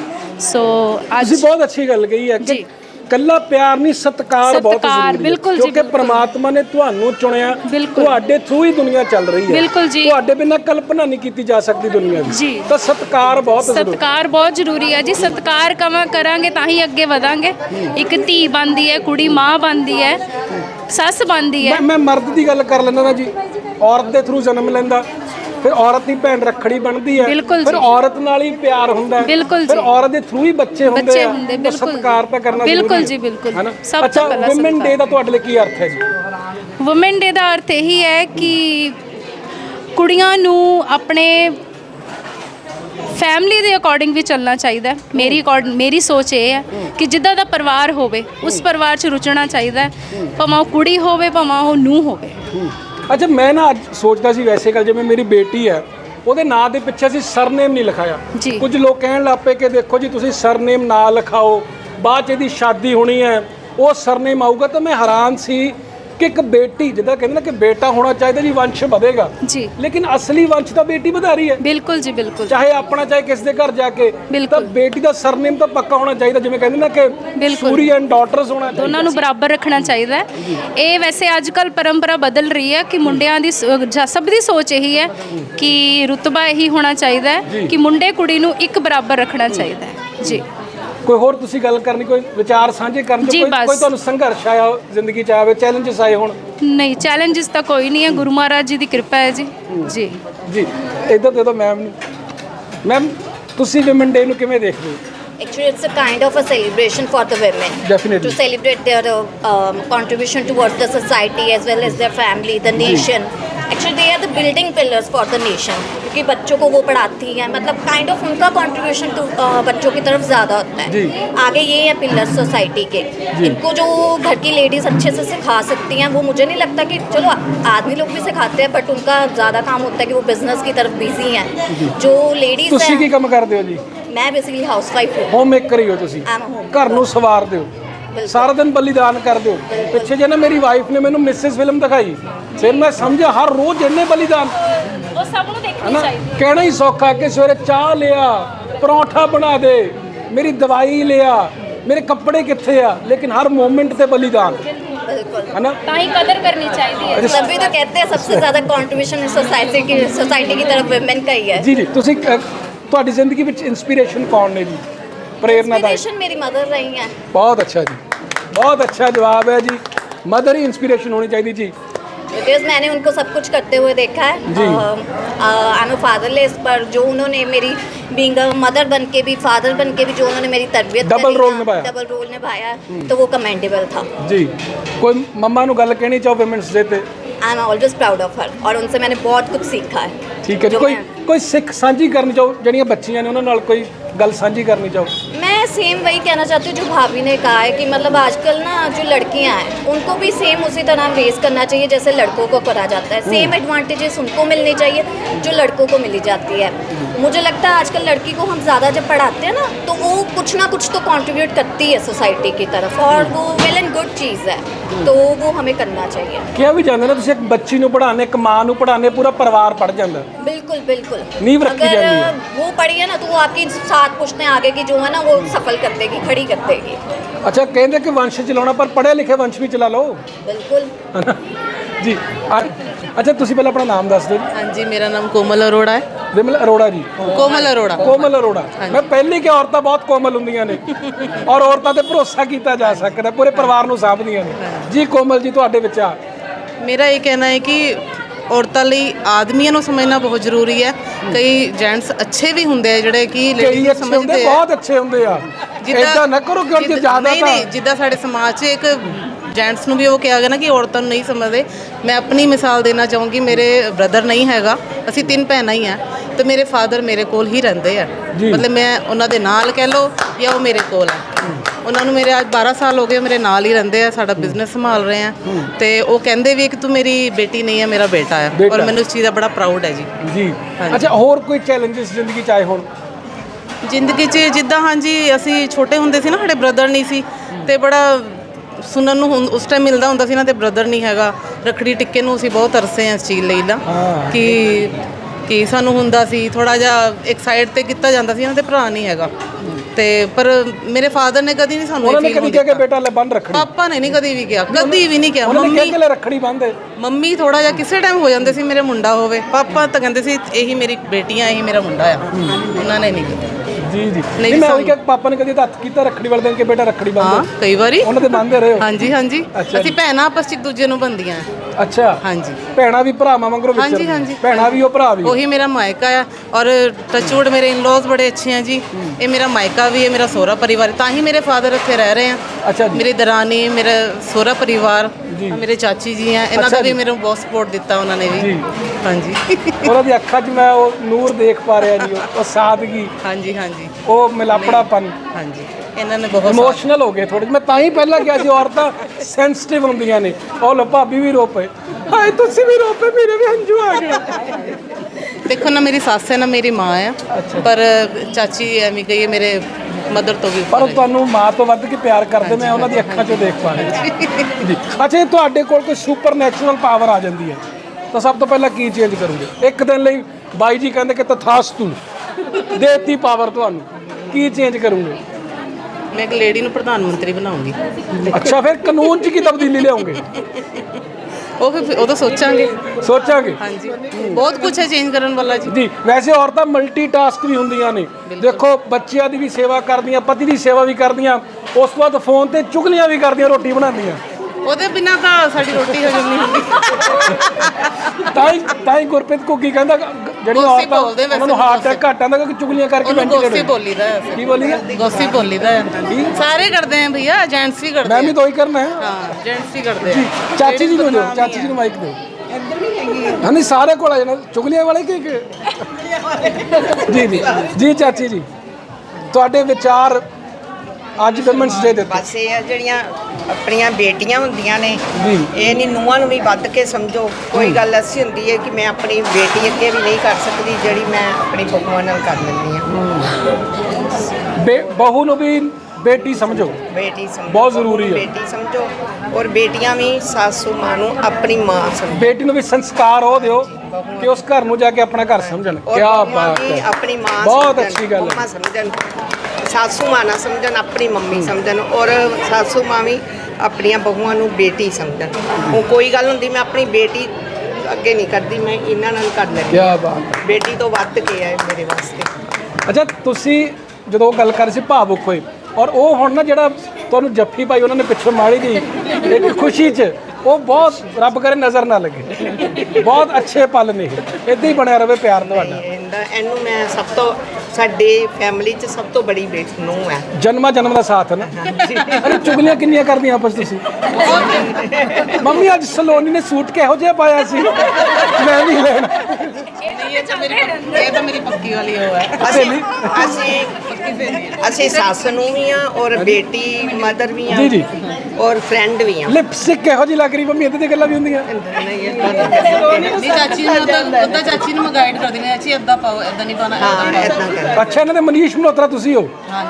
S7: ਸੋ ਅੱਜ
S1: ਤੁਸੀਂ ਬਹੁਤ ਅੱਛੀ ਗੱਲ ਕਹੀ ਹੈ ਕਿ ਕੱਲਾ ਪਿਆਰ ਨਹੀਂ, ਸਤਿਕਾਰ ਬਹੁਤ ਜ਼ਰੂਰੀ ਹੈ, ਕਿਉਂਕਿ ਪ੍ਰਮਾਤਮਾ ਨੇ ਤੁਹਾਨੂੰ ਚੁਣਿਆ, ਤੁਹਾਡੇ ਥਰੂ ਹੀ ਦੁਨੀਆ ਚੱਲ ਰਹੀ ਹੈ।
S7: ਬਿਲਕੁਲ ਜੀ,
S1: ਤੁਹਾਡੇ ਬਿਨਾਂ ਕਲਪਨਾ ਨਹੀਂ ਕੀਤੀ ਜਾ ਸਕਦੀ ਦੁਨੀਆ ਦੀ। ਤਾਂ ਸਤਿਕਾਰ ਬਹੁਤ ਜ਼ਰੂਰੀ,
S7: ਸਤਿਕਾਰ ਬਹੁਤ ਜ਼ਰੂਰੀ ਹੈ ਜੀ। ਸਤਿਕਾਰ ਕਵਾਂ ਕਰਾਂਗੇ ਤਾਂ ਹੀ ਅੱਗੇ ਵਧਾਂਗੇ। ਇੱਕ ਧੀ ਬਣਦੀ ਹੈ, ਕੁੜੀ ਮਾਂ ਬਣਦੀ ਹੈ, ਸੱਸ ਬਣਦੀ ਹੈ।
S1: ਮੈਂ ਮੈਂ ਮਰਦ ਦੀ ਗੱਲ ਕਰ ਲੈਂਦਾ ਨਾ ਜੀ। ਔਰਤ ਦੇ ਥਰੂ ਜਨਮ ਲੈਂਦਾ, ਫਿਰ ਔਰਤ ਦੀ ਭੈਣ ਰੱਖੜੀ ਬਣਦੀ ਹੈ, ਫਿਰ ਔਰਤ ਨਾਲ ਹੀ ਪਿਆਰ ਹੁੰਦਾ ਹੈ, ਫਿਰ ਔਰਤ ਦੇ ਥਰੂ ਹੀ ਬੱਚੇ ਹੁੰਦੇ ਆ। ਤਾਂ ਸਤਿਕਾਰ ਤਾਂ ਕਰਨਾ ਜ਼ਰੂਰੀ ਹੈ।
S7: ਬਿਲਕੁਲ ਜੀ, ਬਿਲਕੁਲ।
S1: ਅੱਛਾ, ਵੂਮਨ ਡੇ ਦਾ ਤੁਹਾਡੇ ਲਈ ਕੀ ਅਰਥ ਹੈ ਜੀ?
S7: ਵੂਮਨ ਡੇ ਦਾ ਅਰਥ ਇਹੀ ਹੈ ਕਿ ਕੁੜੀਆਂ ਨੂੰ ਆਪਣੇ ਫੈਮਿਲੀ ਦੇ ਅਕੋਰਡਿੰਗ ਵੀ ਚੱਲਣਾ ਚਾਹੀਦਾ। ਮੇਰੀ ਅਕੋਰਡ ਮੇਰੀ ਸੋਚ ਇਹ ਹੈ ਕਿ ਜਿੱਦਾਂ ਦਾ ਪਰਿਵਾਰ ਹੋਵੇ ਉਸ ਪਰਿਵਾਰ 'ਚ ਰੁਚਣਾ ਚਾਹੀਦਾ, ਭਾਵੇਂ ਉਹ ਕੁੜੀ ਹੋਵੇ ਭਾਵੇਂ ਉਹ ਨੂੰਹ ਹੋਵੇ।
S1: ਅੱਛਾ, ਮੈਂ ਨਾ ਅੱਜ ਸੋਚਦਾ ਸੀ, ਵੈਸੇ ਗੱਲ ਜਿਵੇਂ ਮੇਰੀ ਬੇਟੀ ਹੈ, ਉਹਦੇ ਨਾਂ ਦੇ ਪਿੱਛੇ ਅਸੀਂ ਸਰਨੇਮ ਨਹੀਂ ਲਿਖਾਇਆ। ਕੁਝ ਲੋਕ ਕਹਿਣ ਲੱਗ ਪਏ ਕਿ ਦੇਖੋ ਜੀ ਤੁਸੀਂ ਸਰਨੇਮ ਨਾ ਲਿਖਾਓ, ਬਾਅਦ 'ਚ ਇਹਦੀ ਸ਼ਾਦੀ ਹੋਣੀ ਹੈ ਉਹ ਸਰਨੇਮ ਆਊਗਾ। ਤਾਂ ਮੈਂ ਹੈਰਾਨ ਸੀ ਕਿ ਇੱਕ ਬੇਟੀ, ਜਿੱਦਾਂ ਕਹਿੰਦੇ ਨਾ ਕਿ ਬੇਟਾ ਹੋਣਾ ਚਾਹੀਦਾ ਜੀ, ਵੰਸ਼ ਵਧੇਗਾ ਜੀ, ਲੇਕਿਨ ਅਸਲੀ ਵੰਸ਼ ਤਾਂ ਬੇਟੀ ਵਧਾ ਰਹੀ ਹੈ।
S7: ਬਿਲਕੁਲ ਜੀ, ਬਿਲਕੁਲ।
S1: ਚਾਹੇ ਆਪਣਾ ਚਾਹੇ ਕਿਸ ਦੇ ਘਰ ਜਾ ਕੇ, ਤਾਂ ਬੇਟੀ ਦਾ ਸਰਨੇਮ ਤਾਂ ਪੱਕਾ ਹੋਣਾ ਚਾਹੀਦਾ। ਜਿਵੇਂ ਕਹਿੰਦੇ ਨਾ ਕਿ ਸੂਰੀ ਐਂਡ ਡਾਟਰਸ ਹੋਣਾ ਚਾਹੀਦਾ,
S7: ਉਹਨਾਂ ਨੂੰ ਬਰਾਬਰ ਰੱਖਣਾ ਚਾਹੀਦਾ। ਇਹ ਵੈਸੇ ਅੱਜ ਕੱਲ੍ਹ ਪਰੰਪਰਾ ਬਦਲ ਰਹੀ ਹੈ ਕਿ ਮੁੰਡਿਆਂ ਦੀ, ਸਭ ਦੀ ਸੋਚ ਇਹੀ ਹੈ ਕਿ ਰੁਤਬਾ ਇਹੀ ਹੋਣਾ ਚਾਹੀਦਾ ਹੈ ਕਿ ਮੁੰਡੇ ਕੁੜੀ ਨੂੰ ਇੱਕ ਬਰਾਬਰ ਰੱਖਣਾ ਚਾਹੀਦਾ ਹੈ ਜੀ।
S1: ਕੋਈ ਹੋਰ ਤੁਸੀਂ ਗੱਲ ਕਰਨੀ, ਕੋਈ ਵਿਚਾਰ ਸਾਂਝੇ ਕਰਨ ਦੇ, ਕੋਈ ਕੋਈ ਤੁਹਾਨੂੰ ਸੰਘਰਸ਼ ਆਇਆ ਜ਼ਿੰਦਗੀ 'ਚ ਆਵੇ, ਚੈਲੰਜਸ ਆਏ ਹੋਣ?
S7: ਨਹੀਂ, ਚੈਲੰਜਸ ਤਾਂ ਕੋਈ ਨਹੀਂ ਹੈ, ਗੁਰੂ ਮਹਾਰਾਜ ਜੀ ਦੀ ਕਿਰਪਾ ਹੈ ਜੀ। ਜੀ
S1: ਜੀ ਇੱਧਰ ਦੇ ਦਿਓ ਮੈਮ ਨੂੰ। ਮੈਮ, ਤੁਸੀਂ ਵਿਮਨ ਡੇ ਨੂੰ ਕਿਵੇਂ ਦੇਖਦੇ ਹੋ?
S8: Actually, it's a kind of a celebration for the women.
S1: Definitely.
S8: To celebrate their uh, um, contribution towards the society as well as their family, the nation. Actually, they are the building pillars for the nation. क्योंकि बच्चों को वो पढ़ाती हैं, मतलब kind of उनका contribution to बच्चों की तरफ ज़्यादा होता है। आगे ये है पिलर्स सोसाइटी के। इनको जो घर की लेडीज़ अच्छे से सिखा सकती हैं, वो मुझे नहीं लगता कि, चलो आदमी लोग भी सिखाते हैं, बट उनका ज़्यादा काम होता है कि वो बिजनेस की तरफ बिजी हैं। जो लेडीज़
S1: ਤੁਸੀਂ ਕੀ ਕੰਮ ਕਰਦੇ ਹੋ ਜੀ?
S8: मैं बेसिकली हाउस वाइफ हूँ।
S1: ਹੋਮ ਮੇਕਰ ਹੀ ਹੋ ਤੁਸੀਂ, ਘਰ ਨੂੰ ਸਵਾਰਦੇ ਹੋ, ਸਾਰਾ ਦਿਨ ਬਲੀਦਾਨ ਕਰਦੇ ਹੋ। ਪਿੱਛੇ ਜੇ ਨਾ ਮੇਰੀ ਵਾਈਫ ਨੇ ਮੈਨੂੰ ਮਿਸਿਸ ਫਿਲਮ ਦਿਖਾਈ, ਫਿਰ ਮੈਂ ਸਮਝਿਆ ਹਰ ਰੋਜ਼ ਇੰਨੇ ਬਲੀਦਾਨ,
S7: ਉਹ ਸਭ ਨੂੰ ਦੇਖਣੀ ਚਾਹੀਦੀ ਹੈ।
S1: ਕਹਿਣਾ ਹੀ ਸੌਖਾ ਕਿ ਸਵੇਰੇ ਚਾਹ ਲਿਆ, ਪਰੌਂਠਾ ਬਣਾ ਦੇ, ਮੇਰੀ ਦਵਾਈ ਲਿਆ, ਮੇਰੇ ਕੱਪੜੇ ਕਿੱਥੇ ਆ, ਲੇਕਿਨ ਹਰ ਮੂਮੈਂਟ ਤੇ ਬਲੀਦਾਨ, है ना?
S7: ਤਾਂ ਹੀ कदर करनी चाहिए।
S8: तभी तो कहते हैं सबसे ज़्यादा कंट्रीब्यूशन सोसाइटी की सोसाइटी की तरफ वुमेन का ही है।
S1: जी जी, ਤੁਸੀਂ ਤੁਹਾਡੀ ਜ਼ਿੰਦਗੀ ਵਿੱਚ ਇਨਸਪੀਰੇਸ਼ਨ ਕੌਣ ਨੇ ਜੀ, ਪ੍ਰੇਰਨਾ ਦਾ?
S8: इंस्पिरेशन मेरी मदर रही हैं।
S1: ਬਹੁਤ ਅੱਛਾ ਜੀ, ਬਹੁਤ ਅੱਛਾ ਜਵਾਬ ਹੈ ਜੀ। ਮਦਰ ਹੀ ਇਨਸਪੀਰੇਸ਼ਨ ਹੋਣੀ ਚਾਹੀਦੀ ਜੀ।
S8: बिकॉज मैंने उनको सब कुछ करते हुए देखा है। आई एम फादरलेस, पर जो उन्होंने मेरी बीइंग अ मदर बन के भी, फादर बन के भी जो उन्होंने मेरी तरबियत
S1: डबल रोल निभाया,
S8: डबल रोल निभाया तो वो कमेंडेबल था
S1: जी। कोई मम्मा ਨੂੰ ਗੱਲ ਕਹਿਣੀ ਚਾਹੋ ਵਿਮਨਸ ਡੇ ਤੇ?
S8: I am always proud of her और उनसे मैंने बहुत कुछ सीखा है।
S1: ठीक है,
S8: जो
S1: कोई
S8: मैं-
S1: कोई सिੱਖ ਸਾਂਝੀ ਕਰਨੀ ਚਾਹੋ ਜਿਹੜੀਆਂ ਬੱਚੀਆਂ ਨੇ ਉਹਨਾਂ ਨਾਲ ਕੋਈ ਗੱਲ ਸਾਂਝੀ ਕਰਨੀ ਚਾਹੋ?
S8: मैं सेम वही कहना चाहती हूँ जो भाभी ने कहा है कि मतलब आजकल ना जो लड़कियां हैं उनको भी सेम उसी तरह रेस करना चाहिए जैसे लड़कों को करा जाता है। सेम एडवांटेजेस उनको मिलनी चाहिए जो लड़कों को मिली जाती है। मुझे लगता है आजकल लड़की को हम ज़्यादा जब पढ़ाते हैं ना तो वो कुछ ना कुछ तो कंट्रीब्यूट करती है सोसाइटी की तरफ और वो वेल एंड गुड चीज़ है, तो वो हमें करना चाहिए।
S1: ਕਿਹਾ ਵੀ ਜਾਂਦਾ ਨਾ ਤੁਸੀਂ ਇੱਕ ਬੱਚੀ ਨੂੰ ਪੜ੍ਹਾਉਂਦੇ, ਇੱਕ ਮਾਂ ਨੂੰ ਪੜ੍ਹਾਉਂਦੇ, ਪੂਰਾ ਪਰਿਵਾਰ ਪੜ੍ਹ ਜਾਂਦਾ।
S8: बिल्कुल बिल्कुल।
S1: नींव रखी
S8: अगर
S1: जाती है।
S8: वो पढ़ी है ना तो वो आपकी सात पुश्तें आगे की जो है ना वो सफल कर देगी, खड़ी कर देगी।
S1: ਅੱਛਾ, ਕਹਿੰਦੇ ਕਿ ਵੰਸ਼ ਚਲਾਉਣਾ, ਪਰ ਪੜ੍ਹੇ ਲਿਖੇ ਵੰਸ਼ ਵੀ ਚਲਾ ਲਓ।
S8: बिल्कुल।
S1: ਹਨਾ ਜੀ। ਅ- ਅੱਛਾ, ਤੁਸੀਂ ਪਹਿਲਾਂ ਆਪਣਾ ਨਾਮ ਦੱਸ ਦਿਓ ਜੀ।
S3: ਹਾਂਜੀ, ਮੇਰਾ ਨਾਮ ਕੋਮਲ ਅਰੋੜਾ ਹੈ।
S1: ਵਿਮਲ ਅਰੋੜਾ ਜੀ।
S3: ਕੋਮਲ ਅਰੋੜਾ।
S1: ਕੋਮਲ ਅਰੋੜਾ। ਮੈਂ ਪਹਿਲੀ ਕਿ ਔਰਤਾਂ ਬਹੁਤ ਕੋਮਲ ਹੁੰਦੀਆਂ ਨੇ ਔਰ ਔਰਤਾਂ ਤੇ ਭਰੋਸਾ ਕੀਤਾ ਜਾ ਸਕਦਾ, ਪੂਰੇ ਪਰਿਵਾਰ ਨੂੰ ਸਾਂਭਦੀਆਂ ਨੇ ਜੀ। ਕੋਮਲ ਜੀ, ਤੁਹਾਡੇ ਵਿਚਾਰ?
S3: ਮੇਰਾ ਇਹ ਕਹਿਣਾ ਹੈ ਕਿ ਔਰਤਾਂ ਲਈ ਆਦਮੀਆਂ ਨੂੰ ਸਮਝਣਾ ਬਹੁਤ ਜ਼ਰੂਰੀ ਹੈ। ਕਈ ਜੈਂਟਸ ਅੱਛੇ ਵੀ ਹੁੰਦੇ ਆ ਜਿਹੜੇ ਕਿ
S1: ਕਈ
S3: ਲੇਡੀਜ਼ ਨੂੰ
S1: ਅੱਛੇ ਹੁੰਦੇ,
S3: ਸਮਝਦੇ ਆ।
S1: ਬਹੁਤ ਅੱਛੇ ਹੁੰਦੇ ਆ। ਏਦਾਂ ਨਾ ਕਰੋ ਕਿ
S3: ਜਿੱਦਾਂ-
S1: ਜ਼ਿਆਦਾ
S3: ਨਹੀਂ
S1: ਤਾਂ
S3: ਨਹੀਂ, ਜਿੱਦਾਂ ਸਾਡੇ ਸਮਾਜ 'ਚ ਇੱਕ ਜੈਂਟਸ ਨੂੰ ਵੀ ਉਹ ਕਿਹਾ ਗਿਆ ਨਾ ਕਿ ਔਰਤਾਂ ਨੂੰ ਨਹੀਂ ਸਮਝਦੇ। ਮੈਂ ਆਪਣੀ ਮਿਸਾਲ ਦੇਣਾ ਚਾਹੂੰਗੀ। ਮੇਰੇ ਬ੍ਰਦਰ ਨਹੀਂ ਹੈਗਾ, ਅਸੀਂ ਤਿੰਨ ਭੈਣਾਂ ਹੀ ਆ, ਤੇ ਮੇਰੇ ਫਾਦਰ ਮੇਰੇ ਕੋਲ ਹੀ ਰਹਿੰਦੇ ਆ। ਮਤਲਬ ਮੈਂ ਉਹਨਾਂ ਦੇ ਨਾਲ ਕਹਿ ਲਓ ਜਾਂ ਉਹ ਮੇਰੇ ਕੋਲ ਹੈ। ਉਹਨਾਂ ਨੂੰ ਮੇਰੇ ਅੱਜ ਬਾਰਾਂ ਸਾਲ ਹੋ ਗਏ, ਮੇਰੇ ਨਾਲ ਹੀ ਰਹਿੰਦੇ ਆ, ਸਾਡਾ ਬਿਜ਼ਨਸ ਸੰਭਾਲ ਰਹੇ ਆ। ਤੇ ਉਹ ਕਹਿੰਦੇ ਵੀ ਕਿ ਤੂੰ ਮੇਰੀ ਬੇਟੀ ਨਹੀਂ ਹੈ, ਮੇਰਾ ਬੇਟਾ ਆ, ਔਰ ਮੈਨੂੰ ਇਸ ਚੀਜ਼ ਦਾ ਬੜਾ ਪ੍ਰਾਊਡ ਹੈ ਜੀ।
S1: ਜੀ। ਅੱਛਾ, ਹੋਰ ਕੋਈ ਚੈਲੰਜਸ ਜ਼ਿੰਦਗੀ 'ਚ ਆਏ ਹੋਣ?
S3: ਜ਼ਿੰਦਗੀ 'ਚ ਜਿੱਦਾਂ ਹਾਂਜੀ, ਅਸੀਂ ਛੋਟੇ ਹੁੰਦੇ ਸੀ ਨਾ, ਸਾਡੇ ਬ੍ਰਦਰ ਨਹੀਂ ਸੀ ਤੇ ਬੜਾ ਸੁਣਨ ਨੂੰ ਹੁਣ ਉਸ ਟਾਈਮ ਮਿਲਦਾ ਹੁੰਦਾ ਸੀ ਨਾ, ਤੇ ਬ੍ਰਦਰ ਨਹੀਂ ਹੈਗਾ। ਰੱਖੜੀ ਟਿੱਕੇ ਨੂੰ ਅਸੀਂ ਬਹੁਤ ਤਰਸੇ ਆ ਇਸ ਚੀਜ਼ ਲਈ ਨਾ ਕਿ ਕਿ ਸਾਨੂੰ ਹੁੰਦਾ ਸੀ ਥੋੜਾ ਜਿਹਾ ਇੱਕ ਸਾਈਡ ਤੇ ਕੀਤਾ ਜਾਂਦਾ ਸੀ ਨਾ, ਤੇ ਭਰਾ ਨਹੀਂ ਹੈਗਾ। ਤੇ ਪਰ ਮੇਰੇ ਫਾਦਰ ਨੇ ਕਦੀ ਨਹੀਂ ਸਾਨੂੰ
S1: ਉਹਨਾਂ ਨੇ ਕਦੀ ਕਿਹਾ ਕਿ ਬੇਟਾ ਲੈ ਬੰਨ ਰੱਖੜੀ?
S3: ਪਾਪਾ ਨੇ ਨਹੀਂ ਕਦੀ ਵੀ ਕਿਹਾ, ਕਦੀ ਵੀ ਨਹੀਂ ਕਿਹਾ।
S1: ਉਹਨਾਂ ਨੇ
S3: ਮੰਮੀ
S1: ਕਿਹਾ ਕਿ ਲੈ ਰੱਖੜੀ ਬੰਨ੍ਹਦੇ?
S3: ਮੰਮੀ ਥੋੜਾ ਜਿਹਾ ਕਿਸੇ ਟਾਈਮ ਹੋ ਜਾਂਦੇ ਸੀ ਮੇਰੇ ਮੁੰਡਾ ਹੋਵੇ, ਪਾਪਾ ਤਾਂ ਕਹਿੰਦੇ ਸੀ ਇਹੀ ਮੇਰੀ ਬੇਟੀ ਆ, ਇਹੀ ਮੇਰਾ ਮੁੰਡਾ ਆ। ਉਹਨਾਂ ਨੇ ਨਹੀਂ ਕੀਤਾ।
S1: ਜੀ ਜੀ। ਨਹੀਂ, ਮੈਂ ਉਹੀ ਕਿਹਾ ਪਾਪਾ ਨੇ ਕਦੀ ਤਾਂ ਹੱਥ ਕੀਤਾ ਰੱਖੜੀ ਵਾਲੇ ਦਿਨ ਕਿ ਬੇਟਾ ਰੱਖੜੀ ਬੰਨ੍ਹ?
S3: ਹਾਂ, ਕਈ ਵਾਰੀ
S1: ਉਹਨਾਂ ਦੇ ਬੰਨ੍ਹਦੇ ਰਹੇ ਹੋ?
S3: ਹਾਂਜੀ ਹਾਂਜੀ। ਅਸੀਂ ਭੈਣਾਂ ਆਪਸ 'ਚ ਇੱਕ ਦੂਜੇ ਨੂੰ ਬੰਦੀਆਂ।
S1: ਅੱਛਾ।
S3: ਹਾਂਜੀ।
S1: ਭੈਣਾਂ ਵੀ ਭਰਾਵਾਂ ਵਾਂਗੂ ਵਿਚਰਦੀਆਂ?
S3: ਹਾਂਜੀ ਹਾਂਜੀ।
S1: ਭੈਣਾਂ ਵੀ ਉਹ ਭਰਾ ਵੀ?
S3: ਉਹੀ ਮੇਰਾ ਮਾਇਕਾ ਆ। ਔਰ ਟੱਚਵੁੱਡ ਮੇਰੇ ਇਨ-ਲॉज ਬੜੇ ਅੱਛੇ ਆ ਜੀ। ਇਹ ਮੇਰਾ ਮਾਇਕਾ ਵੀ ਹੈ, ਮੇਰਾ ਸਹੁਰਾ ਪਰਿਵਾਰ, ਤਾਂ ਹੀ ਮੇਰੇ ਫਾਦਰ ਇੱਥੇ ਰਹਿ ਰਹੇ ਆ।
S1: ਅੱਛਾ ਜੀ।
S3: ਮੇਰੀ ਦਰਾਨੀ, ਮੇਰਾ ਸਹੁਰਾ ਪਰਿਵਾਰ, ਮੇਰੇ ਚਾਚੀ ਜੀ ਆ, ਇਹਨਾਂ ਦਾ ਵੀ ਮੈਨੂੰ ਬਹੁਤ ਸਪੋਰਟ ਦਿੱਤਾ ਉਹਨਾਂ ਨੇ ਵੀ। ਹਾਂਜੀ।
S1: ਉਹਨਾਂ ਦੀ ਅੱਖਾਂ 'ਚ ਮੈਂ ਉਹ ਨੂਰ ਦੇਖ ਪਾ ਰਿਹਾ ਜੀ, ਉਹ ਸਾਦਗੀ,
S3: ਹਾਂਜੀ ਹਾਂਜੀ,
S1: ਉਹ ਮਿਲਾਪੜਾਪਨ।
S3: ਹਾਂਜੀ, ਇਹਨਾਂ ਨੇ ਬਹੁਤ
S1: ਇਮੋਸ਼ਨਲ ਹੋ ਗਏ ਥੋੜੇ। ਮੈਂ ਤਾਂ ਹੀ ਪਹਿਲਾਂ ਕਿਹਾ ਸੀ ਔਰਤਾਂ ਸੈਂਸਿਟਿਵ ਹੁੰਦੀਆਂ ਨੇ। ਉਹ ਲੋ ਭਾਬੀ ਵੀ ਰੋ ਪਏ, ਹਾਏ ਤੁਸੀਂ ਵੀ ਰੋ ਪਏ, ਮੇਰੇ ਵੀ ਹੰਝੂ ਆ ਗਏ।
S3: ਦੇਖੋ ਨਾ, ਮੇਰੀ ਸੱਸ ਹੈ ਨਾ ਮੇਰੀ ਮਾਂ ਆ, ਪਰ ਚਾਚੀ ਐਵੇਂ ਕਹੀਏ ਮੇਰੇ ਮਦਰ ਤੋਂ ਵੀ
S1: ਪਰ ਉਹ ਤੁਹਾਨੂੰ ਮਾਂ ਤੋਂ ਵੱਧ ਕੇ ਪਿਆਰ ਕਰਦੇ, ਮੈਂ ਉਹਨਾਂ ਦੀ ਅੱਖਾਂ 'ਚੋਂ ਦੇਖ ਪਾ ਰਿਹਾ ਜੀ। ਅੱਛਾ, ਤੁਹਾਡੇ ਕੋਲ ਕੋਈ ਸੁਪਰ ਨੈਚੁਰਲ ਪਾਵਰ ਆ ਜਾਂਦੀ ਹੈ ਤਾਂ ਸਭ ਤੋਂ ਪਹਿਲਾਂ ਕੀ ਚੇਂਜ ਕਰੋਗੇ? ਇੱਕ ਦਿਨ ਲਈ ਬਾਈ ਜੀ ਕਹਿੰਦੇ ਕਿ ਤਥਾਸਤੂ ਦੇਤੀ ਪਾਵਰ ਤੁਹਾਨੂੰ, ਕੀ ਚੇਂਜ ਕਰੋਗੇ?
S3: ਮੈਂ ਇੱਕ ਲੇਡੀ ਨੂੰ ਪ੍ਰਧਾਨ ਮੰਤਰੀ ਬਣਾਉਂਗੀ।
S1: ਅੱਛਾ, ਫਿਰ ਕਾਨੂੰਨ 'ਚ ਕੀ ਤਬਦੀਲੀ ਲਿਆਉਂਗੇ?
S3: ਉਹ ਫਿਰ ਉਹ ਤਾਂ ਸੋਚਾਂਗੇ
S1: ਸੋਚਾਂਗੇ।
S3: ਹਾਂਜੀ, ਬਹੁਤ ਕੁਝ ਹੈ ਚੇਂਜ ਕਰਨ ਵਾਲਾ ਜੀ।
S1: ਜੀ। ਵੈਸੇ ਔਰਤਾਂ ਮਲਟੀਟਾਸਕ ਵੀ ਹੁੰਦੀਆਂ ਨੇ। ਦੇਖੋ, ਬੱਚਿਆਂ ਦੀ ਵੀ ਸੇਵਾ ਕਰਦੀਆਂ, ਪਤੀ ਦੀ ਸੇਵਾ ਵੀ ਕਰਦੀਆਂ, ਉਸ ਤੋਂ ਬਾਅਦ ਫੋਨ ਤੇ ਚੁਗਲੀਆਂ ਵੀ ਕਰਦੀਆਂ, ਰੋਟੀ ਬਣਾਉਂਦੀਆਂ।
S3: ਉਹਦੇ ਬਿਨਾਂ ਤਾਂ ਸਾਡੀ ਰੋਟੀ ਹਜਮ ਨਹੀਂ ਹੁੰਦੀ।
S1: ਤਾਂ ਹੀ ਤਾਂ ਹੀ ਗੁਰਪ੍ਰੀਤ ਘੁੱਗੀ ਕਹਿੰਦਾ ਜਿਹੜੀਆਂ
S3: ਗੋਸੀ
S1: ਔਰਤਾਂ
S3: ਬੋਲਦੇ ਵੈਸੇ
S1: ਉਹਨਾਂ ਨੂੰ ਹਾਰਟ ਅਟੈਕ ਘੱਟ ਆਉਂਦਾ ਕਿਉਂਕਿ ਚੁਗਲੀਆਂ ਕਰਕੇ
S3: ਉਹਨੂੰ
S1: ventilator
S3: ਗੋਸੀ ਬੋਲੀਦਾ ਹੈ।
S1: ਕੀ ਬੋਲੀਦਾ?
S3: ਗੋਸੀ ਬੋਲੀਦਾ ਹੈ। ਸਾਰੇ ਕਰਦੇ ਆ ਭਈਆ, ਜੈਂਟਸ ਵੀ ਕਰਦੇ
S1: ਮੈਂ ਵੀ ਤਾਂ ਉਹੀ ਕਰਨਾ ਹੈ।
S3: ਹਾਂ, ਜੈਂਟਸ ਵੀ ਕਰਦੇ
S1: ਜੀ।
S3: ਆ।
S1: ਚਾਚੀ ਜੀ ਨੂੰ ਦਿਓ, ਚਾਚੀ ਜੀ ਨੂੰ ਮਾਈਕ ਦਿਓ। ਹਾਂ, ਨਹੀਂ ਸਾਰੇ ਕੋਲ ਆ ਜਾਣਾ, ਚੁਗਲੀਆਂ ਵਾਲੇ ਕਿ ਕਿ ਜੀ ਜੀ ਜੀ। ਚਾਚੀ ਜੀ, ਤੁਹਾਡੇ ਵਿਚਾਰ ਅੱਜ ਵਿਮਨਸ ਡੇ ਦੇ ਉੱਤੇ?
S6: ਬਸ ਇਹ ਆ ਜਿਹੜੀਆਂ ਆਪਣੀਆਂ ਬੇਟੀਆਂ ਹੁੰਦੀਆਂ ਨੇ,
S1: ਜੀ।
S6: ਇਹ ਨਹੀਂ ਨੂੰਹਾਂ ਨੂੰ ਵੀ ਵੱਧ ਕੇ ਸਮਝੋ। ਕੋਈ ਗੱਲ ਐਸੀ ਹੁੰਦੀ ਹੈ ਕਿ ਮੈਂ ਆਪਣੀ ਬੇਟੀ ਅੱਗੇ ਵੀ ਨਹੀਂ ਕਰ ਸਕਦੀ ਜਿਹੜੀ ਮੈਂ ਆਪਣੀ ਬਹੂਆਂ ਨਾਲ ਕਰ ਲੈਂਦੀ ਹਾਂ।
S1: ਬੇ ਬਹੂ ਨੂੰ ਵੀ ਬੇਟੀ ਸਮਝੋ,
S6: ਬੇਟੀ ਸਮਝੋ,
S1: ਬਹੁਤ ਜ਼ਰੂਰੀ ਹੈ।
S6: ਬੇਟੀ ਸਮਝੋ, ਔਰ ਬੇਟੀਆਂ ਵੀ ਸਾਸੂ ਮਾਂ ਨੂੰ ਆਪਣੀ ਮਾਂ ਸਮਝੋ।
S1: ਬੇਟੀ ਨੂੰ ਵੀ ਸੰਸਕਾਰ ਉਹ ਦਿਓ ਕਿ ਉਸ ਘਰ ਨੂੰ ਜਾ ਕੇ ਆਪਣਾ ਘਰ ਸਮਝਣ।
S6: ਔਰ
S1: ਕੀ
S6: ਬਹੂਆਂ
S1: ਬਾਤ
S6: ਵੀ
S1: ਹੈ,
S6: ਆਪਣੀ ਮਾਂ
S1: ਬਹੁਤ
S6: ਸਮਝਣ,
S1: ਅੱਛੀ ਗੱਲ
S6: ਮੰਮਾ
S1: ਹੈ।
S6: ਸਮਝਣ, ਸਾਸੂ ਮਾਂ ਨਾ ਸਮਝਣ, ਆਪਣੀ ਮੰਮੀ ਸਮਝਣ, ਔਰ ਸਾਸੂ ਮਾਂ ਵੀ ਆਪਣੀਆਂ ਬਹੂਆਂ ਨੂੰ ਬੇਟੀ ਸਮਝਣ। ਉਹ ਕੋਈ ਗੱਲ ਹੁੰਦੀ ਮੈਂ ਆਪਣੀ ਬੇਟੀ ਅੱਗੇ ਨਹੀਂ ਕਰਦੀ, ਮੈਂ ਇਹਨਾਂ ਨਾਲ ਕਰ ਲੈਂਦੀ।
S1: ਕੀ ਬਾਤ ਹੈ।
S6: ਬੇਟੀ ਤੋਂ ਵੱਧ ਕੇ ਹੈ ਮੇਰੇ ਵਾਸਤੇ।
S1: ਅੱਛਾ, ਤੁਸੀਂ ਜਦੋਂ ਗੱਲ ਕਰ ਰਹੇ ਸੀ ਭਾਵੁਕ ਹੋਏ, ਔਰ ਉਹ ਹੁਣ ਨਾ ਜਿਹੜਾ ਤੁਹਾਨੂੰ ਜੱਫੀ ਪਾਈ ਉਹਨਾਂ ਨੇ ਪਿੱਛੋਂ ਮਾਰੀ ਦੀ ਇੱਕ ਖੁਸ਼ੀ 'ਚ, ਉਹ ਬਹੁਤ ਰੱਬ ਕਰੇ ਨਜ਼ਰ ਨਾ ਲੱਗੇ। ਬਹੁਤ ਅੱਛੇ ਪਲ ਨੇ ਇਹ, ਇਦਾਂ ਹੀ ਬਣਿਆ ਰਵੇ ਪਿਆਰ ਤੁਹਾਡਾ।
S6: ਇਹਦਾ ਇਹਨੂੰ ਮੈਂ ਸਭ ਤੋਂ ਸਾਡੇ ਫੈਮਿਲੀ 'ਚ ਸਭ ਤੋਂ ਬੜੀ ਬੇਟੀ ਨੂੰ ਹੈ।
S1: ਜਨਮਾ ਜਨਮ ਦਾ ਸਾਥ ਹੈ ਨਾ। ਅਰੇ ਚੁਗਲੀਆਂ ਕਿੰਨੀਆਂ ਕਰਦੀਆਂ ਆਪਸ ਤੁਸੀਂ। ਮੰਮੀ ਅੱਜ ਸਲੋਨੀ ਨੇ ਸੂਟ ਕਿਹੋ ਜਿਹਾ ਪਾਇਆ ਸੀ, ਮੈਂ ਨਹੀਂ ਲੈਣਾ।
S3: ਇਹ ਤਾਂ ਮੇਰੀ ਇਹ ਤਾਂ ਮੇਰੀ ਪੱਕੀ ਵਾਲੀ ਉਹ ਹੈ।
S6: ਅਸੀਂ ਅਸੀਂ ਅਸੀਂ ਸੱਸ ਨੂੰ ਵੀ ਆ ਔਰ ਬੇਟੀ ਮਦਰ ਵੀ ਆ
S1: ਜੀ ਜੀ
S6: ਔਰ ਫਰੈਂਡ ਵੀ ਆ।
S1: ਲਿਪਸਟਿਕ ਕਿਹੋ ਜਿਹੀ ਲੱਗ ਰਹੀ ਮੰਮੀ, ਇਦਾਂ ਦੀਆਂ ਗੱਲਾਂ ਵੀ ਹੁੰਦੀਆਂ।
S3: ਨਹੀਂ ਚਾਚੀ ਨੂੰ ਤਾਂ ਉਹਦਾ ਚਾਚੀ ਨੂੰ ਮੈਂ ਗਾਈਡ ਕਰ ਦਿੰਦੀ ਹਾਂ, ਚਾਚੀ ਏਦਾਂ ਪਾਓ, ਏਦਾਂ ਨਹੀਂ ਪਾਉਣਾ,
S6: ਹਾਂ
S3: ਏਦਾਂ
S6: ਇਦਾਂ ਕਰ।
S1: ਅੱਛਾ ਇਹਨਾਂ ਦੇ ਮਨੀਸ਼ ਮਲਹੋਤਰਾ ਤੁਸੀਂ ਹੋ? ਹਾਂ,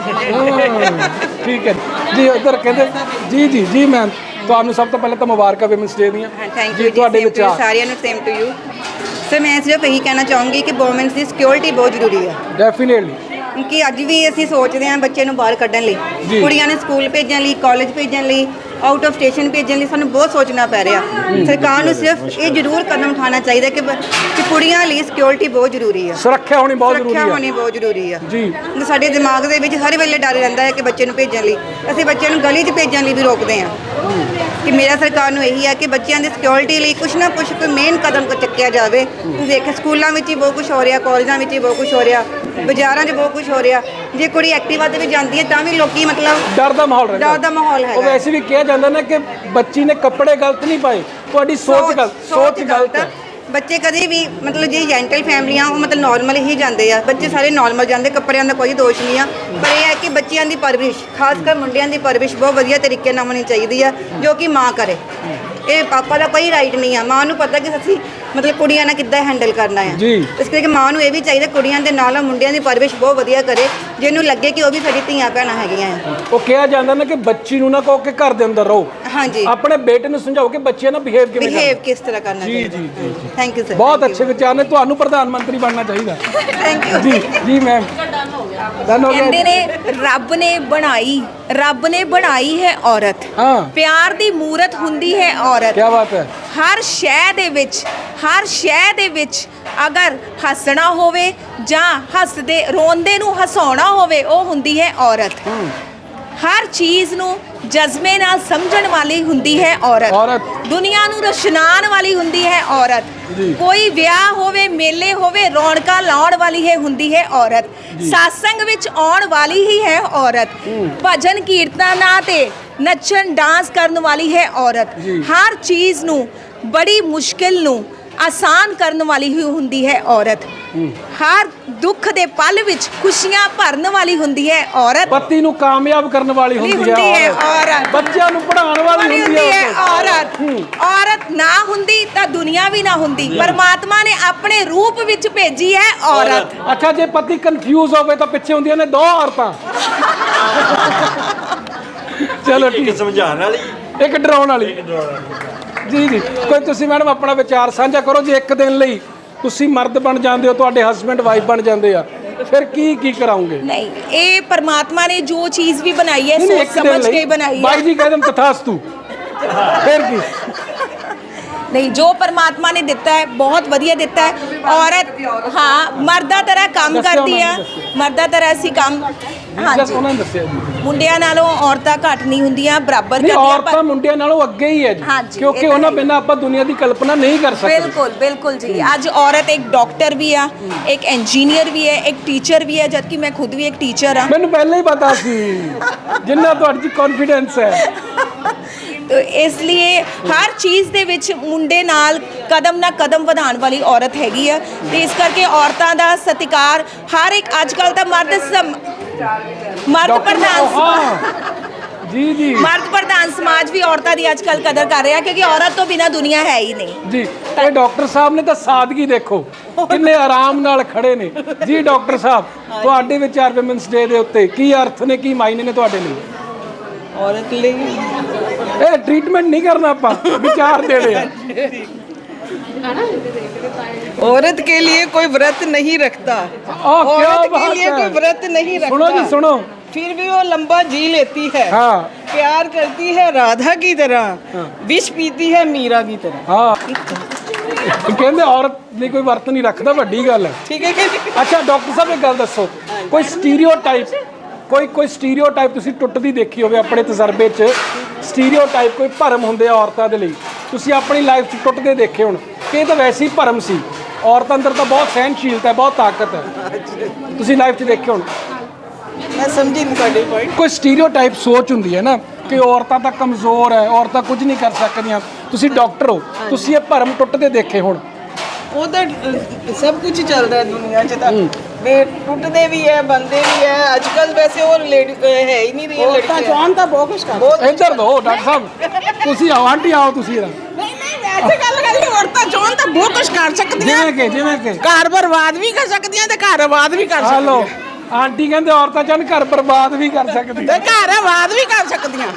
S1: ਠੀਕ ਹੈ ਜੀ। ਉਧਰ ਕਹਿੰਦੇ ਜੀ ਜੀ ਜੀ ਮੈਮ, ਤੁਹਾਨੂੰ ਸਭ ਤੋਂ ਪਹਿਲਾਂ ਤਾਂ ਮੁਬਾਰਕਾਂ ਵਿਮਨਸ ਡੇ ਦੀਆਂ।
S4: ਥੈਂਕ ਯੂ
S1: ਤੁਹਾਡੇ
S4: ਜੀ,
S1: ਵਿਚਾਰ
S4: ਸਾਰਿਆਂ ਨੂੰ ਸੇਮ ਟੂ ਯੂ। ਸਰ ਮੈਂ ਸਿਰਫ ਇਹੀ ਕਹਿਣਾ ਚਾਹੂੰਗੀ ਕਿ ਵੂਮਨਸ ਦੀ ਸਿਕਿਉਰਿਟੀ ਬਹੁਤ ਜ਼ਰੂਰੀ ਹੈ,
S1: ਡੈਫੀਨੇਟਲੀ।
S4: ਕਿਉਂਕਿ ਅੱਜ ਵੀ ਅਸੀਂ ਸੋਚਦੇ ਹਾਂ ਬੱਚੇ ਨੂੰ ਬਾਹਰ ਕੱਢਣ ਲਈ,
S1: ਜੀ।
S4: ਕੁੜੀਆਂ ਨੂੰ ਸਕੂਲ ਭੇਜਣ ਲਈ, ਕਾਲਜ ਭੇਜਣ ਲਈ, ਆਊਟ ਆਫ ਸਟੇਸ਼ਨ ਭੇਜਣ ਲਈ ਸਾਨੂੰ ਬਹੁਤ ਸੋਚਣਾ ਪੈ ਰਿਹਾ। ਸਰਕਾਰ ਨੂੰ ਸਿਰਫ ਇਹ ਜ਼ਰੂਰ ਕਦਮ ਉਠਾਉਣਾ ਚਾਹੀਦਾ ਕਿ ਬ- ਕਿ ਕੁੜੀਆਂ ਲਈ ਸਿਕਿਉਰਿਟੀ ਬਹੁਤ ਜ਼ਰੂਰੀ ਹੈ,
S1: ਸੁਰੱਖਿਆ ਹੋਣੀ ਬਹੁਤ ਜ਼ਰੂਰੀ
S4: ਸੁਰੱਖਿਆ
S1: ਹੈ
S4: ਹੋਣੀ ਬਹੁਤ ਜ਼ਰੂਰੀ ਹੈ
S1: ਜੀ।
S4: ਸਾਡੇ ਦਿਮਾਗ ਦੇ ਵਿੱਚ ਹਰ ਵੇਲੇ ਡਰ ਰਹਿੰਦਾ ਹੈ ਕਿ ਬੱਚੇ ਨੂੰ ਭੇਜਣ ਲਈ, ਅਸੀਂ ਬੱਚਿਆਂ ਨੂੰ ਗਲੀ 'ਚ ਭੇਜਣ ਲਈ ਵੀ ਰੋਕਦੇ ਹਾਂ। ਕਿ ਮੇਰਾ ਸਰਕਾਰ ਨੂੰ ਇਹੀ ਹੈ ਕਿ ਬੱਚਿਆਂ ਦੀ ਸਿਕਿਉਰਿਟੀ ਲਈ ਕੁਛ ਨਾ ਕੁਛ ਕੋਈ ਮੇਨ ਕਦਮ ਚੱਕਿਆ ਜਾਵੇ। ਤੁਸੀਂ ਦੇਖੋ ਸਕੂਲਾਂ ਵਿੱਚ ਹੀ ਬਹੁਤ ਕੁਝ ਹੋ ਰਿਹਾ, ਕਾਲਜਾਂ ਵਿੱਚ ਹੀ ਬਹੁਤ ਕੁਝ ਹੋ ਰਿਹਾ, ਬਾਜ਼ਾਰਾਂ 'ਚ ਬਹੁਤ ਕੁਝ ਹੋ ਰਿਹਾ। ਜੇ ਕੁੜੀ ਐਕਟਿਵਾ ਤੇ ਵੀ ਜਾਂਦੀ ਹੈ ਤਾਂ ਵੀ ਲੋਕੀ ਮਤਲਬ
S1: ਡਰ ਦਾ ਮਾਹੌਲ ਰਹਿੰਦਾ।
S4: ਡਰ ਦਾ ਮਾਹੌਲ
S1: ਉਹ
S4: ਹੈਗਾ।
S1: ਵੈਸੇ ਵੀ ਕਿਹਾ ਜਾਂਦਾ ਨਾ ਕਿ ਬੱਚੀ ਨੇ ਕੱਪੜੇ ਗਲਤ ਨਹੀਂ ਪਾਏ, ਤੁਹਾਡੀ ਸੋਚ ਗਲਤ, ਸੋਚ ਗਲਤ ਹੈ।
S4: ਬੱਚੇ ਕਦੇ ਵੀ ਮਤਲਬ ਜੇ ਜੈਂਟਲ ਫੈਮਲੀਆਂ ਉਹ ਮਤਲਬ ਨਾਰਮਲ ਹੀ ਜਾਂਦੇ ਆ, ਬੱਚੇ ਸਾਰੇ ਨਾਰਮਲ ਜਾਂਦੇ, ਕੱਪੜਿਆਂ ਦਾ ਕੋਈ ਦੋਸ਼ ਨਹੀਂ ਆ। ਪਰ ਇਹ ਹੈ ਕਿ ਬੱਚਿਆਂ ਦੀ ਪਰਵਰਿਸ਼, ਖਾਸ ਕਰ ਮੁੰਡਿਆਂ ਦੀ ਪਰਵਰਿਸ਼ ਬਹੁਤ ਵਧੀਆ ਤਰੀਕੇ ਨਾਲ ਹੋਣੀ ਚਾਹੀਦੀ ਆ, ਜੋ ਕਿ ਮਾਂ ਕਰੇ। ਇਹ ਪਾਪਾ ਦਾ ਕੋਈ ਰਾਈਟ ਨਹੀਂ ਆ। ਮਾਂ ਨੂੰ ਪਤਾ ਕਿ ਅਸੀਂ ਮਤਲਬ ਕੁੜੀਆਂ ਨਾਲ ਕਿੱਦਾਂ ਹੈਂਡਲ ਕਰਨਾ ਹੈ।
S1: ਜੀ।
S4: ਇਸ ਕਰਕੇ ਮਾਂ ਨੂੰ ਇਹ ਵੀ ਚਾਹੀਦਾ ਕੁੜੀਆਂ ਦੇ ਨਾਲ ਮੁੰਡਿਆਂ ਦੀ ਪਰਵਰਿਸ਼ ਬਹੁਤ ਵਧੀਆ ਕਰੇ, ਜਿਹਨੂੰ ਲੱਗੇ ਕਿ ਉਹ ਵੀ ਸਾਡੀ ਧੀਆਂ ਭੈਣਾਂ ਹੈਗੀਆਂ ਆ।
S1: ਉਹ ਕਿਹਾ ਜਾਂਦਾ ਨਾ ਕਿ ਬੱਚੀ ਨੂੰ ਨਾ ਕਹੋ ਕਿ ਘਰ ਦੇ ਅੰਦਰ ਰਹੋ,
S4: ਹਾਂਜੀ,
S1: ਆਪਣੇ ਬੇਟੇ ਨੂੰ ਸਮਝਾਓ ਕਿ ਬੱਚਿਆਂ ਨਾਲ ਬਿਹੇਵ ਕਿਵੇਂ
S4: ਬਿਹੇਵ
S1: ਕਰਨਾ।
S4: ਕਿਸ ਤਰ੍ਹਾਂ ਕਰਨਾ
S1: ਜੀ,
S4: ਚਾਹੀਦਾ।
S1: ਜੀ, ਜੀ, ਜੀ।
S4: Thank you sir.
S1: ਬਹੁਤ ਅੱਛੇ ਵਿਚਾਰ ਨੇ, ਤੁਹਾਨੂੰ ਪ੍ਰਧਾਨ ਮੰਤਰੀ ਬਣਨਾ ਚਾਹੀਦਾ।
S4: ਥੈਂਕ ਯੂ
S1: ਜੀ ਜੀ ਮੈਮ, ਡਨ ਹੋ
S2: ਕਹਿੰਦੇ
S1: ਗਿਆ।
S2: ਨੇ ਰੱਬ ਨੇ ਬਣਾਈ ਰੱਬ ਨੇ ਬਣਾਈ ਹੈ ਔਰਤ,
S1: ਹਾਂ,
S2: ਪਿਆਰ ਦੀ ਮੂਰਤ ਹੁੰਦੀ ਹੈ ਔਰਤ।
S1: ਕੀ ਬਾਤ ਹੈ।
S2: ਹਰ ਸ਼ੈ ਦੇ ਵਿੱਚ ਹਰ ਸ਼ੈ ਦੇ ਵਿੱਚ ਅਗਰ ਹੱਸਣਾ ਹੋਵੇ ਜਾਂ ਹੱਸਦੇ ਰੋਂਦੇ ਨੂੰ ਹਸਾਉਣਾ ਹੋਵੇ, ਉਹ ਹੁੰਦੀ ਹੈ ਔਰਤ। ਹਰ ਚੀਜ਼ ਨੂੰ ਜਜ਼ਬੇ ਨਾਲ ਸਮਝਣ ਵਾਲੀ ਹੁੰਦੀ ਹੈ ਔਰਤ।
S1: ਔਰਤ।
S2: ਦੁਨੀਆ ਨੂੰ ਰੁਸ਼ਨਾਉਣ ਵਾਲੀ ਹੁੰਦੀ ਹੈ ਔਰਤ।
S1: ਜੀ।
S2: ਕੋਈ ਵਿਆਹ ਹੋਵੇ, ਮੇਲੇ ਹੋਵੇ, ਰੌਣਕਾਂ ਲਾਉਣ ਵਾਲੀ ਹੈ ਹੁੰਦੀ ਹੈ ਔਰਤ। ਸਾਸੰਗ ਵਿੱਚ ਆਉਣ ਵਾਲੀ ਹੀ ਹੈ ਔਰਤ। ਭਜਨ ਕੀਰਤਨਾਂ ਤੇ ਨੱਚਣ ਡਾਂਸ ਕਰਨ ਵਾਲੀ ਹੈ ਔਰਤ।
S1: ਜੀ।
S2: ਹਰ ਚੀਜ਼ ਨੂੰ ਬੜੀ ਮੁਸ਼ਕਿਲ ਨੂੰ ਆਸਾਨ ਕਰਨ ਵਾਲੀ ਹੀ ਹੁੰਦੀ ਹੈ ਔਰਤ। ਹਰ ਦੁੱਖ ਦੇ ਪਲ ਵਿੱਚ ਖੁਸ਼ੀਆਂ ਭਰਨ ਵਾਲੀ ਹੁੰਦੀ ਹੈ ਔਰਤ।
S1: ਪਤੀ ਨੂੰ ਕਾਮਯਾਬ ਕਰਨ ਵਾਲੀ ਹੁੰਦੀ
S2: ਹੁੰਦੀ ਹੈ
S1: ਹੈ
S2: ਔਰਤ।
S1: ਬੱਚਿਆਂ ਨੂੰ ਪੜ੍ਹਾਉਣ ਵਾਲੀ ਹੁੰਦੀ ਹੈ
S2: ਔਰਤ। ਔਰਤ ਨਾ ਹੁੰਦੀ ਤਾਂ ਦੁਨੀਆ ਵੀ ਨਾ ਹੁੰਦੀ। ਪਰਮਾਤਮਾ ਨੇ ਆਪਣੇ ਰੂਪ ਵਿੱਚ ਭੇਜੀ ਹੈ ਔਰਤ।
S1: ਅੱਛਾ, ਜੇ ਪਤੀ ਕਨਫਿਊਜ਼ ਹੋਵੇ ਤਾਂ ਪਿੱਛੇ ਹੁੰਦੀਆਂ ਨੇ ਦੋ ਔਰਤਾਂ। ਚਲੋ ਠੀਕ,
S9: ਸਮਝਾਉਣ ਵਾਲੀ,
S1: ਇੱਕ ਡਰਾਉਣ ਵਾਲੀ। ਜੀ ਜੀ, ਕੋਈ ਤੁਸੀਂ ਮੈਡਮ ਆਪਣਾ ਵਿਚਾਰ ਸਾਂਝਾ ਕਰੋ। ਜੇ ਇੱਕ ਦਿਨ ਲਈ ਤੁਸੀਂ ਮਰਦ ਬਣ ਜਾਂਦੇ ਹੋ, ਤੁਹਾਡੇ ਹਸਬੰਡ ਵਾਈਫ ਬਣ ਜਾਂਦੇ ਆ, ਫਿਰ ਕੀ ਕੀ ਕਰਾਉਂਗੇ?
S2: ਨਹੀਂ, ਇਹ ਪਰਮਾਤਮਾ ਨੇ ਜੋ ਚੀਜ਼ ਵੀ ਬਣਾਈ ਹੈ
S1: ਨਹੀਂ, ਨਹੀਂ,
S2: ਸੋਚ
S1: ਇੱਕ ਦਿਨ
S2: ਸਮਝ
S1: ਲਈ
S2: ਕੇ ਬਣਾਈ ਹੈ।
S1: ਬਾਈ ਜੀ ਕਹਿ ਦੇਣ ਤਥਾਸਤੂ, ਫਿਰ ਕੀ?
S2: ਨਹੀਂ, ਜੋ ਪਰਮਾਤਮਾ ਨੇ ਦਿੱਤਾ ਹੈ ਬਹੁਤ ਵਧੀਆ ਦਿੱਤਾ ਹੈ। ਔਰਤ ਹਾਂ ਮਰਦਾਂ ਤਰ੍ਹਾਂ ਕੰਮ
S1: ਦੱਸਿਆ
S2: ਕਰਦੀ
S1: ਉਹਨਾਂ
S2: ਆ,
S1: ਨੇ ਦੱਸਿਆ।
S2: ਮਰਦਾਂ ਤਰ੍ਹਾਂ ਅਸੀਂ ਕੰਮ
S1: ਜਸ
S2: ਹਾਂਜੀ
S1: ਉਹਨਾਂ ਨੇ ਦੱਸਿਆ ਜੀ।
S2: ਮੁੰਡਿਆਂ ਨਾਲੋਂ ਔਰਤਾਂ ਘੱਟ ਨਹੀਂ ਹੁੰਦੀਆਂ, ਬਰਾਬਰ
S1: ਨਹੀਂ,
S2: ਕਰਦੀਆਂ।
S1: ਔਰਤਾਂ ਮੁੰਡਿਆਂ ਨਾਲੋਂ ਅੱਗੇ ਹੀ ਹੈ ਜੀ,
S2: ਹਾਂਜੀ,
S1: ਕਿਉਂਕਿ
S2: ਇਹ ਤਾਂ
S1: ਉਹਨਾਂ
S2: ਹੈ।
S1: ਬਿਨਾਂ ਆਪਾਂ ਦੁਨੀਆ ਦੀ ਕਲਪਨਾ ਨਹੀਂ ਕਰ ਸਕਦੇ।
S2: ਬਿਲਕੁਲ ਬਿਲਕੁਲ ਜੀ। ਅੱਜ ਔਰਤ ਇੱਕ ਡਾਕਟਰ ਵੀ ਆ, ਇੱਕ ਇੰਜੀਨੀਅਰ ਵੀ ਹੈ, ਇੱਕ ਟੀਚਰ ਵੀ ਹੈ, ਜਦਕਿ ਮੈਂ ਖੁਦ ਵੀ ਇੱਕ ਟੀਚਰ ਆ।
S1: ਮੈਨੂੰ ਪਹਿਲਾਂ ਹੀ ਪਤਾ ਸੀ, ਜਿੰਨਾ ਤੁਹਾਡੇ 'ਚ ਕੌਨਫੀਡੈਂਸ ਹੈ।
S2: ਤੋ ਇਸ ਲਈ ਹਰ ਚੀਜ਼ ਦੇ ਵਿੱਚ ਮੁੰਡੇ ਨਾਲ ਕਦਮ ਨਾ ਕਦਮ ਵਧਾਉਣ ਵਾਲੀ ਔਰਤ ਹੈਗੀ ਆ। ਤੇ ਇਸ ਕਰਕੇ ਔਰਤਾਂ ਦਾ ਸਤਿਕਾਰ ਹਰ ਇੱਕ ਅੱਜ ਕੱਲ੍ਹ ਦਾ ਮਰਦ ਸਮ- ਮਰਦ
S1: ਡਾਕਟਰ
S2: ਪ੍ਰਧਾਨ
S1: ਹਾਂ ਜੀ ਜੀ
S2: ਮਰਦ ਪ੍ਰਧਾਨ ਸਮਾਜ ਵੀ ਔਰਤਾਂ ਦੀ ਅੱਜ ਕੱਲ੍ਹ ਕਦਰ ਕਰ ਰਿਹਾ, ਕਿਉਂਕਿ ਔਰਤ ਤੋਂ ਬਿਨਾਂ ਦੁਨੀਆ ਹੈ ਹੀ ਨਹੀਂ।
S1: ਜੀ, ਇਹ ਡਾਕਟਰ ਸਾਹਿਬ ਨੇ ਤਾਂ ਸਾਦਗੀ ਦੇਖੋ, ਕਿੰਨੇ ਆਰਾਮ ਨਾਲ ਖੜੇ ਨੇ। ਜੀ ਡਾਕਟਰ ਸਾਹਿਬ, ਤੁਹਾਡੇ ਵਿਚਾਰ ਵਿਮਨਸ ਡੇ ਦੇ ਉੱਤੇ ਕੀ ਅਰਥ ਨੇ, ਕੀ ਮਾਇਨੇ ਨੇ ਤੁਹਾਡੇ ਲਈ?
S5: औरत ਲਈ
S1: ਇਹ ਟ੍ਰੀਟਮੈਂਟ ਨਹੀਂ ਕਰਨਾ, ਆਪਾਂ ਵਿਚਾਰ ਦੇਣੇ ਆ।
S5: औरत के लिए कोई व्रत नहीं रखता,
S1: आह, क्या
S5: औरत के
S1: बात
S5: लिए
S1: है।
S5: कोई व्रत नहीं रखता।
S1: सुनो जी, सुनो।
S5: फिर भी वो लंबा जी लेती है।
S1: हाँ।
S5: प्यार करती है राधा की तरह, विष पीती है मीरा की तरह।
S1: ਹਾਂ, ਕਹਿੰਦੇ ਔਰਤ ਲਈ ਕੋਈ ਵਰਤ ਨਹੀਂ ਰੱਖਦਾ, ਵੱਡੀ ਗੱਲ ਹੈ।
S5: ठीक है कि नहीं?
S1: ਅੱਛਾ ਡਾਕਟਰ ਸਾਹਿਬ, ਇੱਕ ਗੱਲ ਦੱਸੋ, ਕੋਈ ਸਟੀਰੀਓਟਾਈਪ ਕੋਈ ਕੋਈ ਸਟੀਰੀਓਟਾਈਪ ਤੁਸੀਂ ਟੁੱਟਦੀ ਦੇਖੀ ਹੋਵੇ ਆਪਣੇ ਤਜਰਬੇ 'ਚ? ਸਟੀਰੀਓਟਾਈਪ ਕੋਈ ਭਰਮ ਹੁੰਦੇ ਆ ਔਰਤਾਂ ਦੇ ਲਈ, ਤੁਸੀਂ ਆਪਣੀ ਲਾਈਫ 'ਚ ਟੁੱਟਦੇ ਦੇਖੇ ਹੁਣ ਕਿ ਇਹ ਤਾਂ ਵੈਸੇ ਹੀ ਭਰਮ ਸੀ। ਔਰਤ ਅੰਦਰ ਤਾਂ ਬਹੁਤ ਸਹਿਨਸ਼ੀਲਤਾ ਹੈ, ਬਹੁਤ ਤਾਕਤ ਹੈ। ਤੁਸੀਂ ਲਾਈਫ 'ਚ ਦੇਖੇ ਹੁਣ
S5: ਮੈਂ ਸਮਝੀ ਨਹੀਂ ਤੁਹਾਡੇ ਪੁਆਇੰਟ।
S1: ਕੋਈ ਸਟੀਰੀਓਟਾਈਪ ਸੋਚ ਹੁੰਦੀ ਹੈ ਨਾ ਕਿ ਔਰਤਾਂ ਤਾਂ ਕਮਜ਼ੋਰ ਹੈ, ਔਰਤਾਂ ਕੁਝ ਨਹੀਂ ਕਰ ਸਕਦੀਆਂ। ਤੁਸੀਂ ਡਾਕਟਰ ਹੋ, ਤੁਸੀਂ ਇਹ ਭਰਮ ਟੁੱਟਦੇ ਦੇਖੇ ਹੁਣ।
S5: ਉਹ ਤਾਂ ਅ, ਸਭ ਕੁਝ ਚੱਲਦਾ ਹੈ ਦੁਨੀਆ 'ਚ ਤਾਂ ਵੇ ਟੁੱਟਦੇ ਵੀ ਹੈ, ਬੰਦੇ ਵੀ ਹੈ। ਅੱਜ ਕੱਲ ਵੈਸੇ ਉਹ ਲੇਡੀ ਹੈ ਹੀ ਨਹੀਂ ਰਹੀ ਲੜਕੀਆਂ। ਜਵਾਨ ਤਾਂ ਬਹੁਤ ਕੁਝ ਕਰ
S1: ਇੱਧਰ ਦੋ ਡਾਕਟਰ ਸਾਹਿਬ, ਤੁਸੀਂ ਆਓ ਆਂਟੀ, ਆਓ ਤੁਸੀਂ ਇਹਦਾ।
S5: ਨਹੀਂ ਨਹੀਂ ਵੈਸੇ ਗੱਲ ਕਰੀਏ ਔਰਤਾਂ ਜਵਾਨ ਤਾਂ ਬਹੁਤ ਕੁਝ ਕਰ ਸਕਦੀਆਂ।
S1: ਜਿਵੇਂ ਕਿ ਜਿਵੇਂ ਕਿ
S5: ਘਰ ਬਰਬਾਦ ਵੀ ਕਰ ਸਕਦੀਆਂ ਤੇ ਘਰ ਆਬਾਦ ਵੀ ਕਰ
S1: ਹਲੋ
S5: ਸਕਦੀਆਂ।
S1: ਆਂਟੀ ਕਹਿੰਦੇ ਔਰਤਾਂ ਚਾਹਣ ਘਰ ਬਰਬਾਦ ਵੀ ਕਰ ਸਕਦੀਆਂ।
S5: ਤੇ ਘਰ ਆਬਾਦ ਵੀ ਕਰ ਸਕਦੀਆਂ।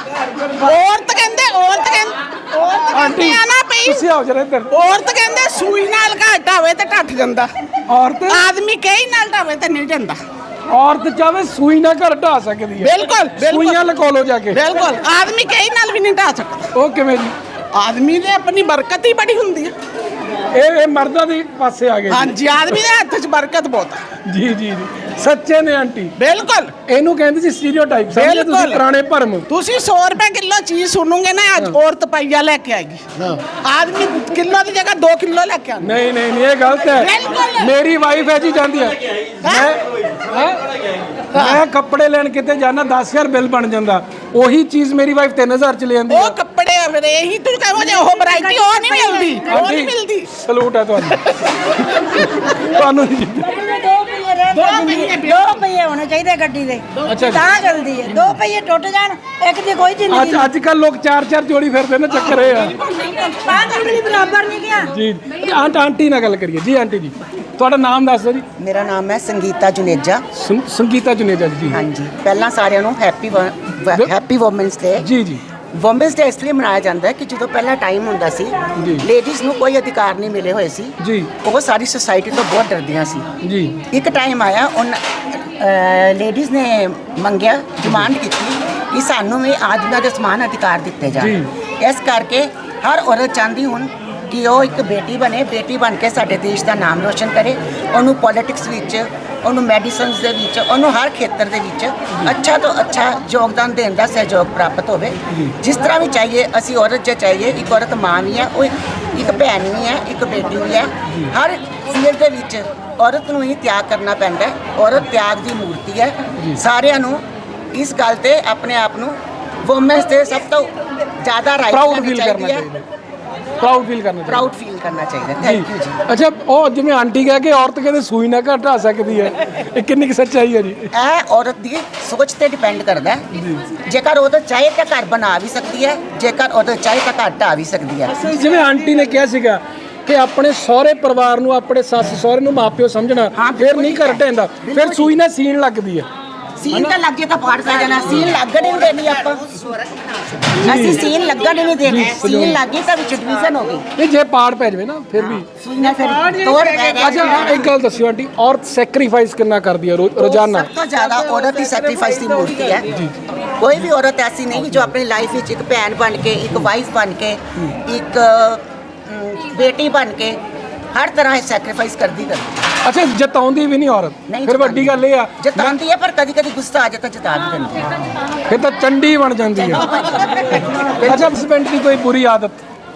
S5: ਔਰਤ ਕਹਿੰਦੇ ਔਰਤ ਕਹਿੰਦੇ ਔਰਤ
S1: ਆਂਟੀ
S5: ਕਹਿੰਦੇ ਆ ਨਾ ਪਈ
S1: ਤੁਸੀਂ ਆਓ ਜਰਾ ਇੱਧਰ।
S5: ਔਰਤ ਕਹਿੰਦੇ ਸੂਈ ਨਾਲ ਘਾਟਾ ਹੋਵੇ ਤੇ ਟੱਟ ਜਾਂਦਾ।
S1: ਔਰਤ
S5: ਆਦਮੀ ਕਈ ਨਾਲ ਢਾਵੇ ਤੇ ਨਹੀਂ ਜਾਂਦਾ।
S1: ਔਰਤ ਚਾਹੇ ਸੂਈ ਨਾਲ ਘਰ ਢਾ ਸਕਦੀ ਹੈ।
S5: ਬਿਲਕੁਲ
S1: ਸੂਈਆਂ ਲਕੋ ਲੋ ਜਾ ਕੇ।
S5: ਬਿਲਕੁਲ ਆਦਮੀ ਕਈ ਨਾਲ ਵੀ ਨਹੀਂ ਢਾ ਸਕਦਾ।
S1: ਉਹ ਕਿਵੇਂ ਜੀ?
S5: ਆਦਮੀ ਦੇ ਆਪਣੀ ਬਰਕਤ ਹੀ ਬੜੀ ਹੁੰਦੀ ਹੈ।
S1: ਇਹ ਇਹ ਮਰਦਾਂ ਦੇ ਪਾਸੇ ਆ ਗਏ ਜੀ।
S5: ਹਾਂਜੀ ਆਦਮੀ ਦੇ ਹੱਥ 'ਚ ਬਰਕਤ ਬਹੁਤ ਹੈ।
S1: ਜੀ ਜੀ ਜੀ ਸੱਚੇ ਨੇ ਆਂਟੀ।
S5: ਬਿਲਕੁਲ
S1: ਇਹਨੂੰ ਕਹਿੰਦੇ ਸੀ ਸਟੀਰੀਓਟਾਈਪ। ਸਮਝੇ ਤੁਸੀਂ
S5: ਬਿਲਕੁਲ।
S1: ਪੁਰਾਣੇ ਭਰਮ।
S5: ਤੁਸੀਂ ਸੌ ਰੁਪਏ ਕਿਲੋ ਚੀਜ਼ ਸੁਣੋਗੇ ਨਾ ਅੱਜ ਔਰਤ ਪਈਆ ਲੈ ਕੇ ਆਏਗੀ। ਆਦਮੀ ਕਿਲੋ ਦੀ ਜਗ੍ਹਾ ਦੋ ਕਿਲੋ ਲੈ ਕੇ ਆਉਂਦਾ।
S1: ਨਹੀਂ ਨਹੀਂ ਨਹੀਂ ਇਹ ਗਲਤ ਹੈ।
S5: ਬਿਲਕੁਲ।
S1: ਮੇਰੀ ਵਾਈਫ ਹੈ ਜੀ ਜਾਂਦੀ ਹੈ। ਮੈਂ ਹੈਂ? ਮੈਂ ਕੱਪੜੇ ਲੈਣ ਕਿਤੇ ਜਾਣਾ ਦਸ ਹਜ਼ਾਰ ਬਿੱਲ ਬਣ ਜਾਂਦਾ, ਉਹੀ ਚੀਜ਼ ਮੇਰੀ ਵਾਈਫ ਤਿੰਨ ਹਜ਼ਾਰ ਚ ਲੈ ਆਂਦੀ
S5: ਉਹ ਕੱਪੜੇ ਆ ਫਿਰ ਇਹੀ ਤੂੰ ਕਹੋ ਜੇ ਉਹ ਵੈਰਾਈਟੀ ਉਹ ਨਹੀਂ ਮਿਲਦੀ। ਉਹ ਨਹੀਂ ਮਿਲਦੀ।
S1: ਸਲੂਟ ਹੈ ਤੁਹਾਨੂੰ। ਤੁਹਾਨੂੰ ਨਹੀਂ ਜੀ।
S5: ਦੋ ਪਹੀਏ
S9: ਦੋ ਪਹੀਏ ਹੋਣੇ ਚਾਹੀਦੇ ਗੱਡੀ ਦੇ,
S1: ਅੱਛਾ ਜੀ।
S9: ਤਾਂ ਚੱਲਦੀ ਹੈ। ਦੋ ਪਹੀਏ ਟੁੱਟ ਜਾਣ ਇੱਕ ਦੀ ਕੋਈ ਜ਼ਿੰਦਗੀ
S1: ਅੱਜ ਅੱਜ ਕੱਲ ਲੋਕ ਚਾਰ ਚਾਰ ਜੋੜੀ ਫਿਰਦੇ ਨੇ, ਚੱਕਰ ਇਹ ਆ।
S9: ਤਾਂ ਜ਼ਿੰਦਗੀ ਬਰਾਬਰ ਨਹੀਂ ਗਿਆ।
S1: ਜੀ ਆਂਟ ਆਂਟੀ ਨਾਲ ਗੱਲ ਕਰੀਏ ਜੀ। ਆਂਟੀ ਜੀ ਤੁਹਾਡਾ ਨਾਮ ਦੱਸ ਦਿਓ ਜੀ।
S10: ਮੇਰਾ ਨਾਮ ਹੈ ਸੰਗੀਤਾ ਜੁਨੇਜਾ।
S1: ਸੰ- ਸੰਗੀਤਾ ਜੁਨੇਜਾ ਜੀ।
S10: ਹਾਂਜੀ ਪਹਿਲਾਂ ਸਾਰਿਆਂ ਨੂੰ ਹੈਪੀ ਹੈਪੀ ਵੂਮਨਸ ਡੇ।
S1: ਜੀ ਜੀ
S10: ਵੂਮਨਸ ਡੇ ਇਸ ਲਈ ਮਨਾਇਆ ਜਾਂਦਾ ਹੈ ਕਿ ਜਦੋਂ ਪਹਿਲਾਂ ਟਾਈਮ ਹੁੰਦਾ ਸੀ
S1: ਜੀ।
S10: ਲੇਡੀਜ਼ ਨੂੰ ਕੋਈ ਅਧਿਕਾਰ ਨਹੀਂ ਮਿਲੇ ਹੋਏ ਸੀ।
S1: ਜੀ
S10: ਉਹ ਸਾਰੀ ਸੁਸਾਇਟੀ ਤੋਂ ਬਹੁਤ ਡਰਦੀਆਂ ਸੀ।
S1: ਜੀ
S10: ਇੱਕ ਟਾਈਮ ਆਇਆ ਉਹਨਾਂ ਲੇਡੀਜ਼ ਨੇ ਮੰਗਿਆ, ਡਿਮਾਂਡ ਕੀਤੀ ਕਿ ਸਾਨੂੰ ਵੀ ਆਦਮੀਆਂ ਦੇ ਸਮਾਨ ਅਧਿਕਾਰ ਦਿੱਤੇ ਜਾਣ।
S1: ਜੀ।
S10: ਇਸ ਕਰਕੇ ਹਰ ਔਰਤ ਚਾਹੁੰਦੀ ਹੁਣ ਕਿ ਉਹ ਇੱਕ ਬੇਟੀ ਬਣੇ, ਬੇਟੀ ਬਣ ਕੇ ਸਾਡੇ ਦੇਸ਼ ਦਾ ਨਾਮ ਰੋਸ਼ਨ ਕਰੇ। ਉਹਨੂੰ ਪੋਲਿਟਿਕਸ ਵਿੱਚ, ਉਹਨੂੰ ਮੈਡੀਸਨਸ ਦੇ ਵਿੱਚ, ਉਹਨੂੰ ਹਰ ਖੇਤਰ ਦੇ ਵਿੱਚ ਅੱਛਾ ਤੋਂ ਅੱਛਾ ਯੋਗਦਾਨ ਦੇਣ ਦਾ ਸਹਿਯੋਗ ਪ੍ਰਾਪਤ ਹੋਵੇ। ਜਿਸ ਤਰ੍ਹਾਂ ਵੀ ਚਾਹੀਏ ਅਸੀਂ ਔਰਤ ਜੇ ਚਾਹੀਏ, ਇੱਕ ਔਰਤ ਮਾਂ ਵੀ ਹੈ, ਉਹ ਇੱਕ- ਇੱਕ ਭੈਣ ਵੀ ਹੈ, ਇੱਕ ਬੇਟੀ ਵੀ ਹੈ। ਹਰ ਫੀਲਡ ਦੇ ਵਿੱਚ ਔਰਤ ਨੂੰ ਹੀ ਤਿਆਗ ਕਰਨਾ ਪੈਂਦਾ ਹੈ। ਔਰਤ ਤਿਆਗ ਦੀ ਮੂਰਤੀ ਹੈ। ਸਾਰਿਆਂ ਨੂੰ ਇਸ ਗੱਲ ਤੇ ਆਪਣੇ ਆਪ ਨੂੰ ਵੂਮਨਸ ਤੇ ਸਭ ਤੋਂ ਜ਼ਿਆਦਾ ਰਾਈਟ
S1: ਪ੍ਰਾਊਡ
S10: ਕਰਨੀ
S1: ਫੀਲ ਕਰਨਾ
S10: ਚਾਹੀਦੀ ਹੈ।
S1: ਚਾਹੀਦਾ। ਪ੍ਰਾਊਡ ਫੀਲ ਕਰਨਾ ਚਾਹੀਦਾ।
S10: ਪ੍ਰਾਊਡ ਫੀਲ ਕਰਨਾ ਚਾਹੀਦਾ। ਥੈਂਕ ਯੂ ਜੀ।
S1: ਅੱਛਾ ਉਹ ਜਿਵੇਂ ਆਂਟੀ ਕਹਿ ਕੇ ਔਰਤ ਕਹਿੰਦੇ ਸੂਈ ਨਾ ਘਰ ਢਾ ਸਕਦੀ ਹੈ, ਇਹ ਕਿੰਨੀ ਕੁ ਸੱਚਾਈ ਹੈ ਜੀ?
S10: ਇਹ ਔਰਤ ਦੀ ਸੋਚ ਤੇ ਡਿਪੈਂਡ ਕਰਦਾ ਹੈ। ਜੇਕਰ ਔਰਤ ਚਾਹੇ ਤਾਂ ਘਰ ਬਣਾ ਵੀ ਸਕਦੀ ਹੈ, ਜੇਕਰ ਔਰਤ ਚਾਹੇ ਤਾਂ ਘਰ ਢਾ ਵੀ ਸਕਦੀ ਹੈ।
S1: ਜਿਵੇਂ ਆਂਟੀ ਨੇ ਕਿਹਾ ਸੀਗਾ ਕਿ ਆਪਣੇ ਸਹੁਰੇ ਪਰਿਵਾਰ ਨੂੰ, ਆਪਣੇ ਸੱਸ ਸਹੁਰੇ ਨੂੰ ਮਾਪਿਓ ਸਮਝਣਾ, ਫਿਰ ਨਹੀਂ ਘਰ ਢਹਿੰਦਾ, ਫਿਰ ਸੂਈ ਨਾਲ ਸੀਨ ਲੱਗਦੀ ਹੈ।
S10: ਸੀਨ ਤਾਂ ਲੱਗ ਜੇ ਤਾਂ ਪਾੜ ਪੈ ਜਾਣਾ। ਸੀਨ ਲੱਗਣ ਹੀ ਨਹੀਂ ਦੇਣੀ ਆਪਾਂ। ਅਸੀਂ ਸੀਨ ਲੱਗਣ ਹੀ ਨਹੀਂ ਦੇਣੀ। ਸੀਨ ਲੱਗੀ ਤਾਂ ਵਿੱਚ ਡਿਵੀਜ਼ਨ ਹੋ ਗਈ।
S1: ਨਹੀਂ ਜੇ ਪਾੜ ਪੈ ਜਾਵੇ ਨਾ ਫਿਰ ਵੀ।
S10: ਸੂਈ ਨਾਲ ਫਿਰ ਤੋੜ ਪੈ ਗਿਆ।
S1: ਅੱਛਾ ਇੱਕ ਗੱਲ ਦੱਸਿਓ ਆਂਟੀ, ਔਰਤ ਸੈਕਰੀਫਾਈਸ ਕਿੰਨਾ ਕਰਦੀ ਹੈ ਰੋ- ਰੋਜ਼ਾਨਾ?
S10: ਸਭ ਤੋਂ ਜ਼ਿਆਦਾ ਔਰਤ ਹੀ ਸੈਕਰੀਫਾਈਸ ਦੀ ਮੂਰਤੀ ਹੈ। ਕੋਈ ਵੀ ਔਰਤ ਐਸੀ ਨਹੀਂ ਜੋ ਆਪਣੀ ਲਾਈਫ ਵਿੱਚ ਇੱਕ ਭੈਣ ਬਣ ਕੇ, ਇੱਕ ਵਾਈਫ ਬਣ ਕੇ, ਇੱਕ ਅਮ, ਬੇਟੀ ਬਣ ਕੇ ਹਰ ਤਰ੍ਹਾਂ ਸੈਕਰੀਫਾਈਸ ਕਰਦੀ ਕਰਦੀ।
S1: ਅੱਛਾ ਜਤਾਉਂਦੀ ਵੀ ਨਹੀਂ ਔਰਤ,
S10: ਨਹੀਂ
S1: ਫਿਰ ਵੱਡੀ ਗੱਲ ਇਹ ਆ
S10: ਜਤਾਉਂਦੀ ਹੈ, ਪਰ ਕਦੀ ਕਦੀ ਗੁੱਸਾ ਆ ਜਾਂਦਾ ਜਤਾ ਵੀ ਦਿੰਦੀ ਹੈ।
S1: ਫਿਰ ਤਾਂ ਚੰਡੀ ਬਣ ਜਾਂਦੀ ਹੈ। ਅੱਛਾ ਹਸਬੈਂਡ ਦੀ ਕੋਈ ਬੁਰੀ ਆਦਤ?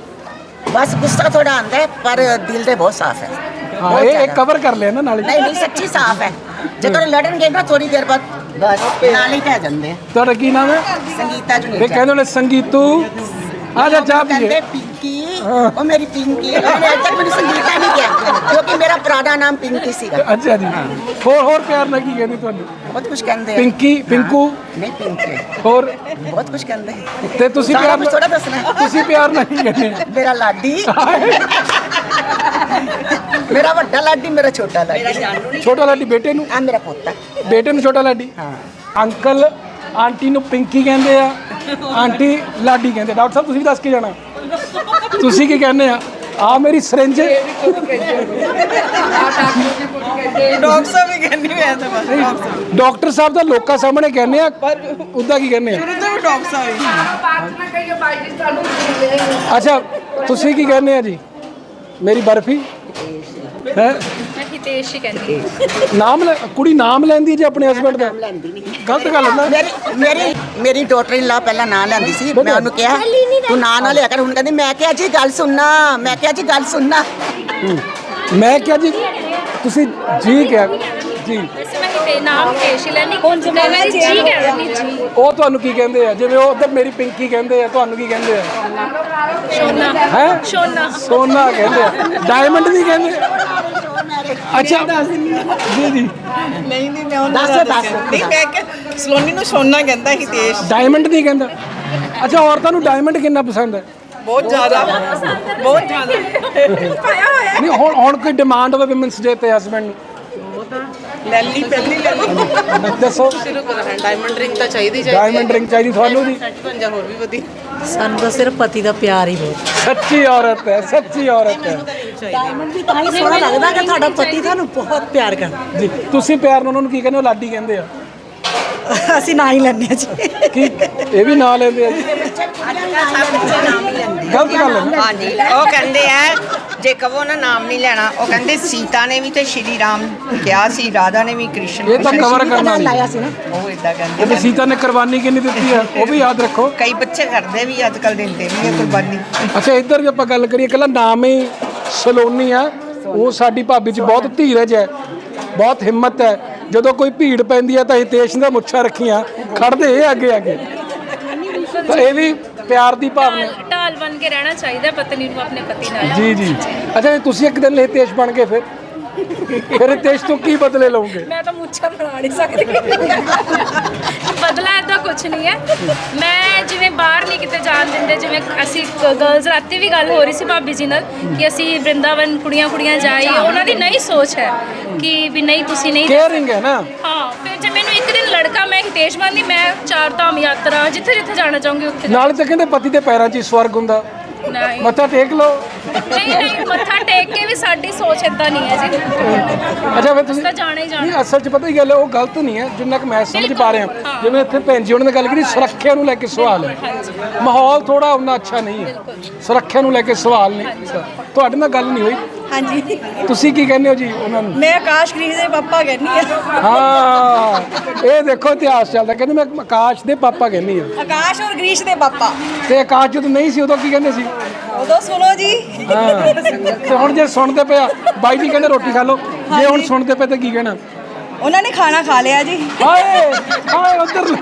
S10: ਬਸ ਗੁੱਸਾ ਥੋੜਾ ਆਉਂਦਾ ਹੈ, ਪਰ ਦਿਲ ਦੇ ਬਹੁਤ ਸਾਫ਼ ਹੈ।
S1: ਹਾਂ
S10: ਬਹੁਤ
S1: ਇਹ ਇਹ
S10: ਜ਼ਿਆਦਾ।
S1: ਕਵਰ ਕਰ ਲਿਆ ਨਾ ਨਾਲੇ।
S10: ਨਹੀਂ ਨਹੀਂ ਸੱਚੀ ਸਾਫ਼ ਹੈ। ਜਦੋਂ ਲੜਨਗੇ ਨਾ ਥੋੜੀ ਦੇਰ ਬਾਅਦ ਬਸ ਨਾਲ ਹੀ ਪੈ ਜਾਂਦੇ ਆ।
S1: ਤੁਹਾਡਾ ਕੀ ਨਾਮ ਹੈ?
S10: ਸੰਗੀਤਾ
S1: ਤੇ
S10: ਜੁਨੇਜਾ।
S1: ਕਹਿੰਦੇ ਨੇ ਸੰਗੀਤੂ ਆ ਜਾ ਚਾਹ ਪੀਏ।
S10: ਕਹਿੰਦੇ ਪਿੰਕੀ, ਉਹ ਮੇਰੀ ਪਿੰਕੀ। ਉਹਨੇ ਅੱਜ ਤੱਕ ਮੈਨੂੰ ਸੰਗੀਤਾ ਨਹੀਂ ਕਿਹਾ ਕਿਉਂਕਿ ਮੇਰਾ ਪੁਰਾਣਾ ਨਾਮ ਪਿੰਕੀ ਸੀਗਾ।
S1: ਅੱਛਾ ਜੀ। ਹੋਰ ਹੋਰ ਪਿਆਰ ਨਾਲ ਕੀ ਕਹਿੰਦੀ ਤੁਹਾਨੂੰ?
S10: ਬਹੁਤ ਕੁਝ ਕਹਿੰਦੇ ਆ।
S1: ਪਿੰਕੀ, ਪਿੰਕੂ,
S10: ਨਹੀਂ ਪਿੰਕੀ,
S1: ਹੋਰ
S10: ਬਹੁਤ ਕੁਝ ਕਹਿੰਦੇ।
S1: ਤੇ ਤੁਸੀਂ
S10: ਸਾਰਾ
S1: ਪਿਆਰ
S10: ਕੁਝ ਥੋੜਾ ਦੱਸਣਾ।
S1: ਤੁਸੀਂ ਪਿਆਰ ਨਾਲ ਕੀ ਕਹਿੰਦੇ?
S10: ਮੇਰਾ ਲਾਡੀ, ਮੇਰਾ ਵੱਡਾ ਲਾਡੀ, ਮੇਰਾ ਛੋਟਾ ਲਾਡੀ।
S1: ਛੋਟਾ ਲਾਡੀ ਬੇਟੇ ਨੂੰ,
S10: ਆ ਮੇਰਾ ਪੋਤਾ।
S1: ਬੇਟੇ ਨੂੰ ਛੋਟਾ ਲਾਡੀ।
S10: ਹਾਂ।
S1: ਅੰਕਲ ਆਂਟੀ ਨੂੰ ਪਿੰਕੀ ਕਹਿੰਦੇ ਆ, ਆਂਟੀ ਲਾਡੀ ਕਹਿੰਦੇ। ਡਾਕਟਰ ਸਾਹਿਬ ਤੁਸੀਂ ਵੀ ਦੱਸ ਕੇ ਜਾਣਾ, ਤੁਸੀਂ ਕੀ ਕਹਿੰਦੇ ਆ? ਆ ਮੇਰੀ ਸਿਰਿੰਜ।
S5: ਡਾਕਟਰ ਸਾਹਿਬ ਵੀ ਕਹਿੰਦੀ ਮੈਂ ਤਾਂ ਬਸ
S1: ਡਾਕਟਰ ਸਾਹਿਬ ਤਾਂ ਲੋਕਾਂ ਸਾਹਮਣੇ ਕਹਿੰਦੇ ਆ, ਉਦਾਂ ਕੀ ਕਹਿੰਦੇ ਆ?
S5: ਸ਼ੁਰੂ ਤੋਂ ਵੀ ਡਾਕਟਰ ਸਾਹਿਬ ਹੀ।
S1: ਅੱਛਾ ਤੁਸੀਂ ਕੀ ਕਹਿੰਦੇ ਆ ਜੀ? ਮੇਰੀ ਬਰਫੀ ਹੈ
S7: ਮੈਂ ਹਿਤੇਸ਼ ਹੀ ਕਹਿੰਦੀ
S1: ਨਾਮ ਲੈ ਕੁੜੀ ਨਾਮ ਲੈਂਦੀ ਜੇ ਆਪਣੇ ਹਸਬੰਡ ਦਾ ਗਲਤ ਗੱਲ ਹੈ ਨਾ।
S10: ਮੇਰੀ ਮੇਰੀ ਮੇਰੀ ਡਾਟਰ ਇਨ ਲਾ ਪਹਿਲਾਂ ਨਾਂ ਲੈਂਦੀ ਸੀ, ਮੈਂ ਉਹਨੂੰ ਕਿਹਾ ਤੂੰ ਨਾਂ ਨਾ ਲਿਆ ਕਰ, ਹੁਣ ਕਹਿੰਦੀ ਮੈਂ ਕਿਹਾ ਜੀ ਗੱਲ ਸੁਣਨਾ, ਮੈਂ ਕਿਹਾ ਜੀ ਗੱਲ ਸੁਣਨਾ।
S1: ਮੈਂ ਕਿਹਾ ਜੀ ਤੁਸੀਂ ਜੀ ਕਿਹਾ ਜੀ,
S7: ਵੈਸੇ ਮੈਂ ਹਿਤੇ ਨਾਮ ਹਿਤੇਸ਼ ਹੀ ਲੈਣੀ ਕੌਣ ਜੀ ਮੈਂ ਜੀ ਕਹਿੰਦੀ ਜੀ।
S1: ਉਹ ਤੁਹਾਨੂੰ ਕੀ ਕਹਿੰਦੇ ਆ? ਜਿਵੇਂ ਉਹ ਉਧਰ ਮੇਰੀ ਪਿੰਕੀ ਕਹਿੰਦੇ ਆ, ਤੁਹਾਨੂੰ ਕੀ ਕਹਿੰਦੇ ਆ?
S7: ਸੋਨਾ
S1: ਹੈ
S7: ਸੋਨਾ
S1: ਸੋਨਾ ਕਹਿੰਦੇ ਆ, ਡਾਇਮੰਡ ਨਹੀਂ ਕਹਿੰਦੇ। ਅੱਛਾ ਜੀ ਜੀ
S5: ਨਹੀਂ ਨਹੀਂ ਮੈਂ ਉਹਨਾਂ
S10: ਦੱਸ
S5: ਦਾ
S10: ਦੱਸ
S5: ਦੱਸਿਆ। ਨਹੀਂ ਮੈਂ ਕਿ ਸਲੋਨੀ ਨੂੰ ਸੋਨਾ ਕਹਿੰਦਾ ਹਿਤੇਸ਼।
S1: ਡਾਇਮੰਡ ਨਹੀਂ ਕਹਿੰਦਾ। ਅੱਛਾ ਔਰਤਾਂ ਨੂੰ ਡਾਇਮੰਡ ਕਿੰਨਾ ਪਸੰਦ ਹੈ?
S5: ਬਹੁਤ ਜ਼ਿਆਦਾ ਬਹੁਤ ਜ਼ਿਆਦਾ
S1: ਨਹੀਂ ਹੁਣ ਹੁਣ ਕੋਈ ਡਿਮਾਂਡ ਹੋਵੇ ਵਿਮਨਸ ਡੇ ਤੇ ਹਸਬੰਡ ਨੂੰ
S5: ਲੈ ਲਈ ਪਹਿਲੀ ਲੈ ਲਈ।
S1: ਦੱਸੋ।
S3: ਸ਼ੁਰੂ ਕਰੋ ਡਾਇਮੰਡ ਰਿੰਗ ਤਾਂ ਚਾਹੀਦੀ ਚਾਹੀਦੀ
S1: ਡਾਇਮੰਡ ਰਿੰਗ ਚਾਹੀਦੀ ਤੁਹਾਨੂੰ ਜੀ?
S3: ਪੰਜਾ ਹੋਰ ਵੀ ਵਧੀਆ।
S5: ਸਾਨੂੰ ਤਾਂ ਸਿਰਫ ਪਤੀ ਦਾ ਪਿਆਰ ਹੀ ਬਹੁਤ।
S1: ਸੱਚੀ ਔਰਤ ਹੈ, ਸੱਚੀ ਔਰਤ ਹੈ
S5: ਡਾਇਮੰਡ ਵੀ ਤਾਂ ਹੀ ਸੋਹਣਾ ਲੱਗਦਾ ਕਿ ਤੁਹਾਡਾ ਪਤੀ ਤੁਹਾਨੂੰ ਬਹੁਤ ਪਿਆਰ ਕਰਦਾ।
S1: ਜੀ। ਤੁਸੀਂ ਪਿਆਰ ਨਾਲ ਉਹਨਾਂ ਨੂੰ ਕੀ ਕਹਿੰਦੇ ਹੋ? ਲਾਡੀ ਕਹਿੰਦੇ ਆ।
S5: ਅਸੀਂ ਨਾ ਹੀ ਲੈਂਦੇ ਹਾਂ ਜੀ।
S1: ਕੀ ਇਹ ਵੀ ਨਾਂ ਲੈਂਦੇ ਆ ਜੀ? ਗਲਤ ਗੱਲ ਹੈ ਨਾ।
S6: ਹਾਂਜੀ ਉਹ ਕਹਿੰਦੇ ਆ ਜੇ ਕਹੋ ਨਾ ਨਾਮ ਨਹੀਂ ਲੈਣਾ, ਉਹ ਕਹਿੰਦੇ ਸੀਤਾ ਨੇ ਵੀ ਤੇ ਸ਼੍ਰੀ ਰਾਮ ਕਿਹਾ ਸੀ, ਰਾਧਾ ਨੇ ਵੀ ਕ੍ਰਿਸ਼ਨ
S1: ਇਹ ਤਾਂ ਕਵਰ ਕਰਨਾ ਨਹੀਂ।
S6: ਉਹ ਇਦਾਂ ਕਹਿੰਦੇ।
S1: ਤੇ ਸੀਤਾ ਨੇ ਕੁਰਬਾਨੀ ਕਿੰਨੀ ਦਿੱਤੀ ਆ ਉਹ ਵੀ ਯਾਦ ਰੱਖੋ।
S6: ਕਈ ਬੱਚੇ ਕਰਦੇ ਵੀ ਅੱਜ ਕੱਲ ਦਿੰਦੇ ਵੀ ਆ ਕੁਰਬਾਨੀ।
S1: ਅੱਛਾ ਇੱਧਰ ਜੇ ਆਪਾਂ ਗੱਲ ਕਰੀਏ ਇਕੱਲਾ ਨਾਮ ਹੀ ਸਲੋਨੀ ਆ, ਉਹ ਸਾਡੀ ਭਾਬੀ 'ਚ ਬਹੁਤ ਧੀਰਜ ਹੈ, ਬਹੁਤ ਹਿੰਮਤ ਹੈ। ਜਦੋਂ ਕੋਈ ਭੀੜ ਪੈਂਦੀ ਹੈ ਤਾਂ ਹਿਤੇਸ਼ ਦਾ ਮੁੱਛਾਂ ਰੱਖੀਆਂ ਖੜਦੇ ਇਹ ਅੱਗੇ ਅੱਗੇ। ਤਾਂ ਇਹ ਵੀ ਪਿਆਰ ਦੀ ਭਾਵਨਾ।
S7: ਢਾਲ ਢਾਲ ਬਣ ਕੇ ਰਹਿਣਾ ਚਾਹੀਦਾ ਪਤਨੀ ਨੂੰ ਆਪਣੇ ਪਤੀ ਨਾਲ।
S1: ਜੀ ਜੀ। ਅੱਛਾ ਤੁਸੀਂ ਇੱਕ ਦਿਨ ਹਿਤੇਸ਼ ਬਣ ਕੇ ਫਿਰ ਫਿਰ ਹਿਤੇਸ਼ ਤੋਂ ਕੀ ਬਦਲੇ ਲਓਗੇ?
S7: ਮੈਂ ਤਾਂ ਮੁੱਛਾਂ ਬਣਾ ਨਹੀਂ ਸਕਦੀ। ਬਦਲਾ ਏਦਾਂ ਕੁਝ ਨਹੀਂ ਹੈ। ਮੈਂ ਜਿਵੇਂ ਬਾਹਰ ਨਹੀਂ ਕਿਤੇ ਜਾਣ ਦਿੰਦੇ, ਜਿਵੇਂ ਅਸੀਂ ਗਰਲਸ ਰਾਤੀ ਵੀ ਗੱਲ ਹੋ ਰਹੀ ਸੀ ਭਾਬੀ ਜੀ ਨਾਲ ਕਿ ਅਸੀਂ ਵਰਿੰਦਾਵਨ ਕੁੜੀਆਂ ਕੁੜੀਆਂ ਜਾਈਏ, ਉਹਨਾਂ ਦੀ ਨਹੀਂ ਸੋਚ ਹੈ ਕਿ ਵੀ ਨਹੀਂ ਤੁਸੀਂ ਨਹੀਂ
S1: ਕੇਅਰਿੰਗ ਹੈ ਨਾ।
S7: ਹਾਂ ਫਿਰ ਜੇ ਮੈਨੂੰ ਇੱਕ ਦਿਨ ਲੜਕਾ ਮੈਂ ਹਿਤੇਸ਼ ਬਣਦੀ, ਮੈਂ ਚਾਰ ਧਾਮ ਯਾਤਰਾ ਜਿੱਥੇ ਜਿੱਥੇ ਜਾਣਾ ਚਾਹੂੰਗੀ ਉੱਥੇ।
S1: ਨਾਲੇ ਤਾਂ ਕਹਿੰਦੇ ਪਤੀ ਦੇ ਪੈਰਾਂ 'ਚ ਹੀ ਸਵਰਗ ਹੁੰਦਾ,
S7: ਨਹੀਂ
S1: ਮੱਥਾ ਟੇਕ ਲਓ।
S7: ਨਹੀਂ ਨਹੀਂ ਮੱਥਾ ਟੇਕ ਕੇ ਵੀ ਸਾਡੀ ਸੋਚ ਇਦਾਂ ਨਹੀਂ ਹੈ ਜੀ।
S1: ਅੱਛਾ ਫਿਰ ਤੁਸੀਂ
S7: ਤਾਂ ਜਾਣਾ ਹੀ ਜਾਣਾ।
S1: ਨਹੀਂ ਅਸਲ 'ਚ ਪਤਾ ਹੀ ਗੱਲ ਹੈ, ਉਹ ਗਲਤ ਨਹੀਂ ਹੈ ਜਿੰਨਾ ਕਿ ਮੈਂ ਸਮਝ ਪਾ ਰਿਹਾ। ਜਿਵੇਂ ਇੱਥੇ ਭੈਣ ਜੀ ਉਹਨਾਂ ਨੇ ਗੱਲ ਕੀਤੀ ਸੁਰੱਖਿਆ ਨੂੰ ਲੈ ਕੇ ਸਵਾਲ ਹੈ, ਮਾਹੌਲ ਥੋੜਾ ਉਹਨਾਂ ਅੱਛਾ ਨਹੀਂ ਹੈ, ਸੁਰੱਖਿਆ ਨੂੰ ਲੈ ਕੇ ਸਵਾਲ ਨੇ। ਤੁਹਾਡੇ ਨਾਲ ਗੱਲ ਨਹੀਂ ਹੋਈ?
S9: ਹਾਂਜੀ
S1: ਤੁਸੀਂ ਕੀ ਕਹਿੰਦੇ ਹੋ ਜੀ ਉਹਨਾਂ ਨੂੰ?
S9: ਮੈਂ ਆਕਾਸ਼ ਗ੍ਰੀਸ ਦੇ ਪਾਪਾ ਕਹਿੰਦੀ ਆ।
S1: ਹਾਂ ਇਹ ਦੇਖੋ ਇਤਿਹਾਸ ਚੱਲਦਾ, ਕਹਿੰਦੇ ਮੈਂ ਆਕਾਸ਼ ਦੇ ਪਾਪਾ ਕਹਿੰਦੀ ਆ।
S9: ਆਕਾਸ਼ ਔਰ ਗ੍ਰੀਸ਼ ਦੇ ਪਾਪਾ।
S1: ਤੇ ਆਕਾਸ਼ ਜਦੋਂ ਨਹੀਂ ਸੀ ਉਦੋਂ ਕੀ ਕਹਿੰਦੇ ਸੀ?
S9: ਉਦੋਂ ਸੁਣੋ ਜੀ।
S1: ਹਾਂ ਤੇ ਹੁਣ ਜੇ ਸੁਣਦੇ ਪਿਆ ਬਾਈ ਜੀ ਕਹਿੰਦੇ ਰੋਟੀ ਖਾ ਲਓ, ਜੇ ਹੁਣ ਸੁਣਦੇ ਪਏ ਤਾਂ ਕੀ ਕਹਿਣਾ?
S9: ਉਹਨਾਂ ਨੇ ਖਾਣਾ ਖਾ ਲਿਆ ਜੀ।
S1: ਹਾਏ ਹਾਏ ਉਧਰ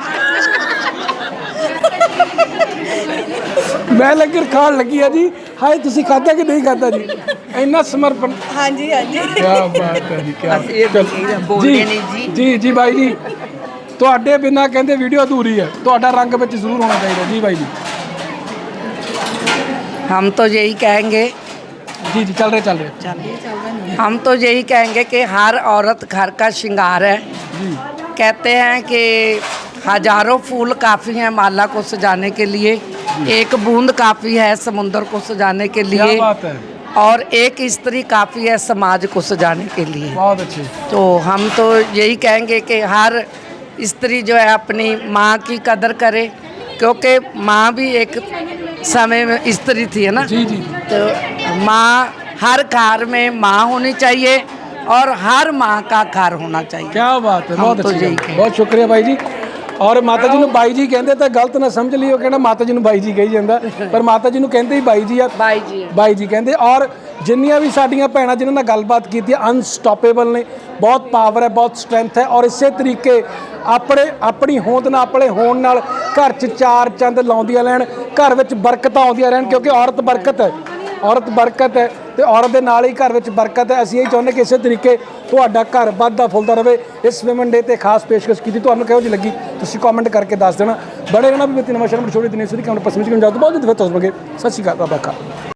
S1: ਮੈਂ ਲੰਗਰ ਖਾਣ ਲੱਗੀ ਆ ਜੀ। ਹਾਏ ਤੁਸੀਂ ਖਾਧਾ ਕਿ ਨਹੀਂ ਖਾਧਾ ਜੀ? ਇੰਨਾ ਸਮਰਪਣ।
S9: ਹਾਂਜੀ ਹਾਂਜੀ
S1: ਕੀ ਬਾਤ ਹੈ ਜੀ, ਕੀ
S6: ਬੋਲਦੇ ਨਹੀਂ ਜੀ।
S1: ਜੀ ਜੀ ਬਾਈ ਜੀ ਤੁਹਾਡੇ ਬਿਨਾ ਕਹਿੰਦੇ ਵੀਡੀਓ ਅਧੂਰੀ ਹੈ, ਤੁਹਾਡਾ ਰੰਗ ਵਿੱਚ ਜ਼ਰੂਰ ਹੋਣਾ ਚਾਹੀਦਾ ਜੀ ਬਾਈ जी।
S11: हम तो यही कहेंगे
S1: जी जी चल रहे चल रहे
S11: हम तो यही कहेंगे कि हर औरत घर का श्रृंगार है। कहते हैं कि हजारों फूल काफ़ी हैं माला को सजाने के लिए, एक बूंद काफ़ी है समुंदर को सजाने के
S1: क्या
S11: लिए,
S1: बात है।
S11: और एक स्त्री काफ़ी है समाज को सजाने के लिए।
S1: बहुत अच्छे।
S11: तो हम तो यही कहेंगे कि हर स्त्री जो है अपनी माँ की कदर करे, क्योंकि माँ भी एक समय में स्त्री थी है ना।
S1: जी जी।
S11: तो माँ हर घर में माँ होनी चाहिए और हर माँ का घर होना चाहिए।
S1: क्या बात है, बहुत
S11: तो
S1: अच्छी
S11: यही
S1: बात। बहुत शुक्रिया भाई जी। ਔਰ ਮਾਤਾ ਜੀ ਨੂੰ ਬਾਈ ਜੀ ਕਹਿੰਦੇ ਤਾਂ ਗਲਤ ਨਾ ਸਮਝ ਲਿਓ, ਕਹਿੰਦਾ ਮਾਤਾ ਜੀ ਨੂੰ ਬਾਈ ਜੀ ਕਹੀ ਜਾਂਦਾ, ਪਰ ਮਾਤਾ ਜੀ ਨੂੰ ਕਹਿੰਦੇ ਹੀ ਬਾਈ ਜੀ ਆ।
S11: ਬਾਈ ਜੀ
S1: ਬਾਈ ਜੀ ਕਹਿੰਦੇ। ਔਰ ਜਿੰਨੀਆਂ ਵੀ ਸਾਡੀਆਂ ਭੈਣਾਂ ਜਿਨ੍ਹਾਂ ਨਾਲ ਗੱਲਬਾਤ ਕੀਤੀ ਅਨਸਟਾਪੇਬਲ ਨੇ, ਬਹੁਤ ਪਾਵਰ ਹੈ, ਬਹੁਤ ਸਟਰੈਂਥ ਹੈ। ਔਰ ਇਸੇ ਤਰੀਕੇ ਆਪਣੇ ਆਪਣੀ ਹੋਂਦ ਨਾਲ ਆਪਣੇ ਹੋਣ ਨਾਲ ਘਰ 'ਚ ਚਾਰ ਚੰਦ ਲਾਉਂਦੀਆਂ ਰਹਿਣ, ਘਰ ਵਿੱਚ ਬਰਕਤਾਂ ਆਉਂਦੀਆਂ ਰਹਿਣ, ਕਿਉਂਕਿ ਔਰਤ ਬਰਕਤ ਹੈ, ਔਰਤ ਬਰਕਤ ਹੈ ਤੇ ਔਰਤ ਦੇ ਨਾਲ ਹੀ ਘਰ ਵਿੱਚ ਬਰਕਤ ਹੈ। ਅਸੀਂ ਇਹ ਚਾਹੁੰਦੇ ਕਿ ਇਸੇ ਤਰੀਕੇ ਤੁਹਾਡਾ ਘਰ ਵੱਧਦਾ ਫੁੱਲਦਾ ਰਹੇ। ਇਸ ਵਿਮਨ ਡੇ ਤੇ ਖਾਸ ਪੇਸ਼ਕਸ਼ ਕੀਤੀ, ਤੁਹਾਨੂੰ ਕਿਹੋ ਜਿਹੀ ਲੱਗੀ ਤੁਸੀਂ ਕਮੈਂਟ ਕਰਕੇ ਦੱਸ ਦੇਣਾ। ਬੜੇ ਰਹਿਣਾ ਵੀ ਨਵਾਂ ਸ਼ਰਮ ਛੋੜੀ ਦਿਨੇ ਸੁਣੀ ਕਿ ਹੁਣ ਪਸੰਦ ਕਰਨ ਜਾ ਤੋਂ ਬਹੁਤ ਹੀ ਦਫਾ ਤਸਬਗੇ। ਸਤਿ ਸ਼੍ਰੀ ਅਕਾਲ, ਰੱਬ ਰਾਖਾ।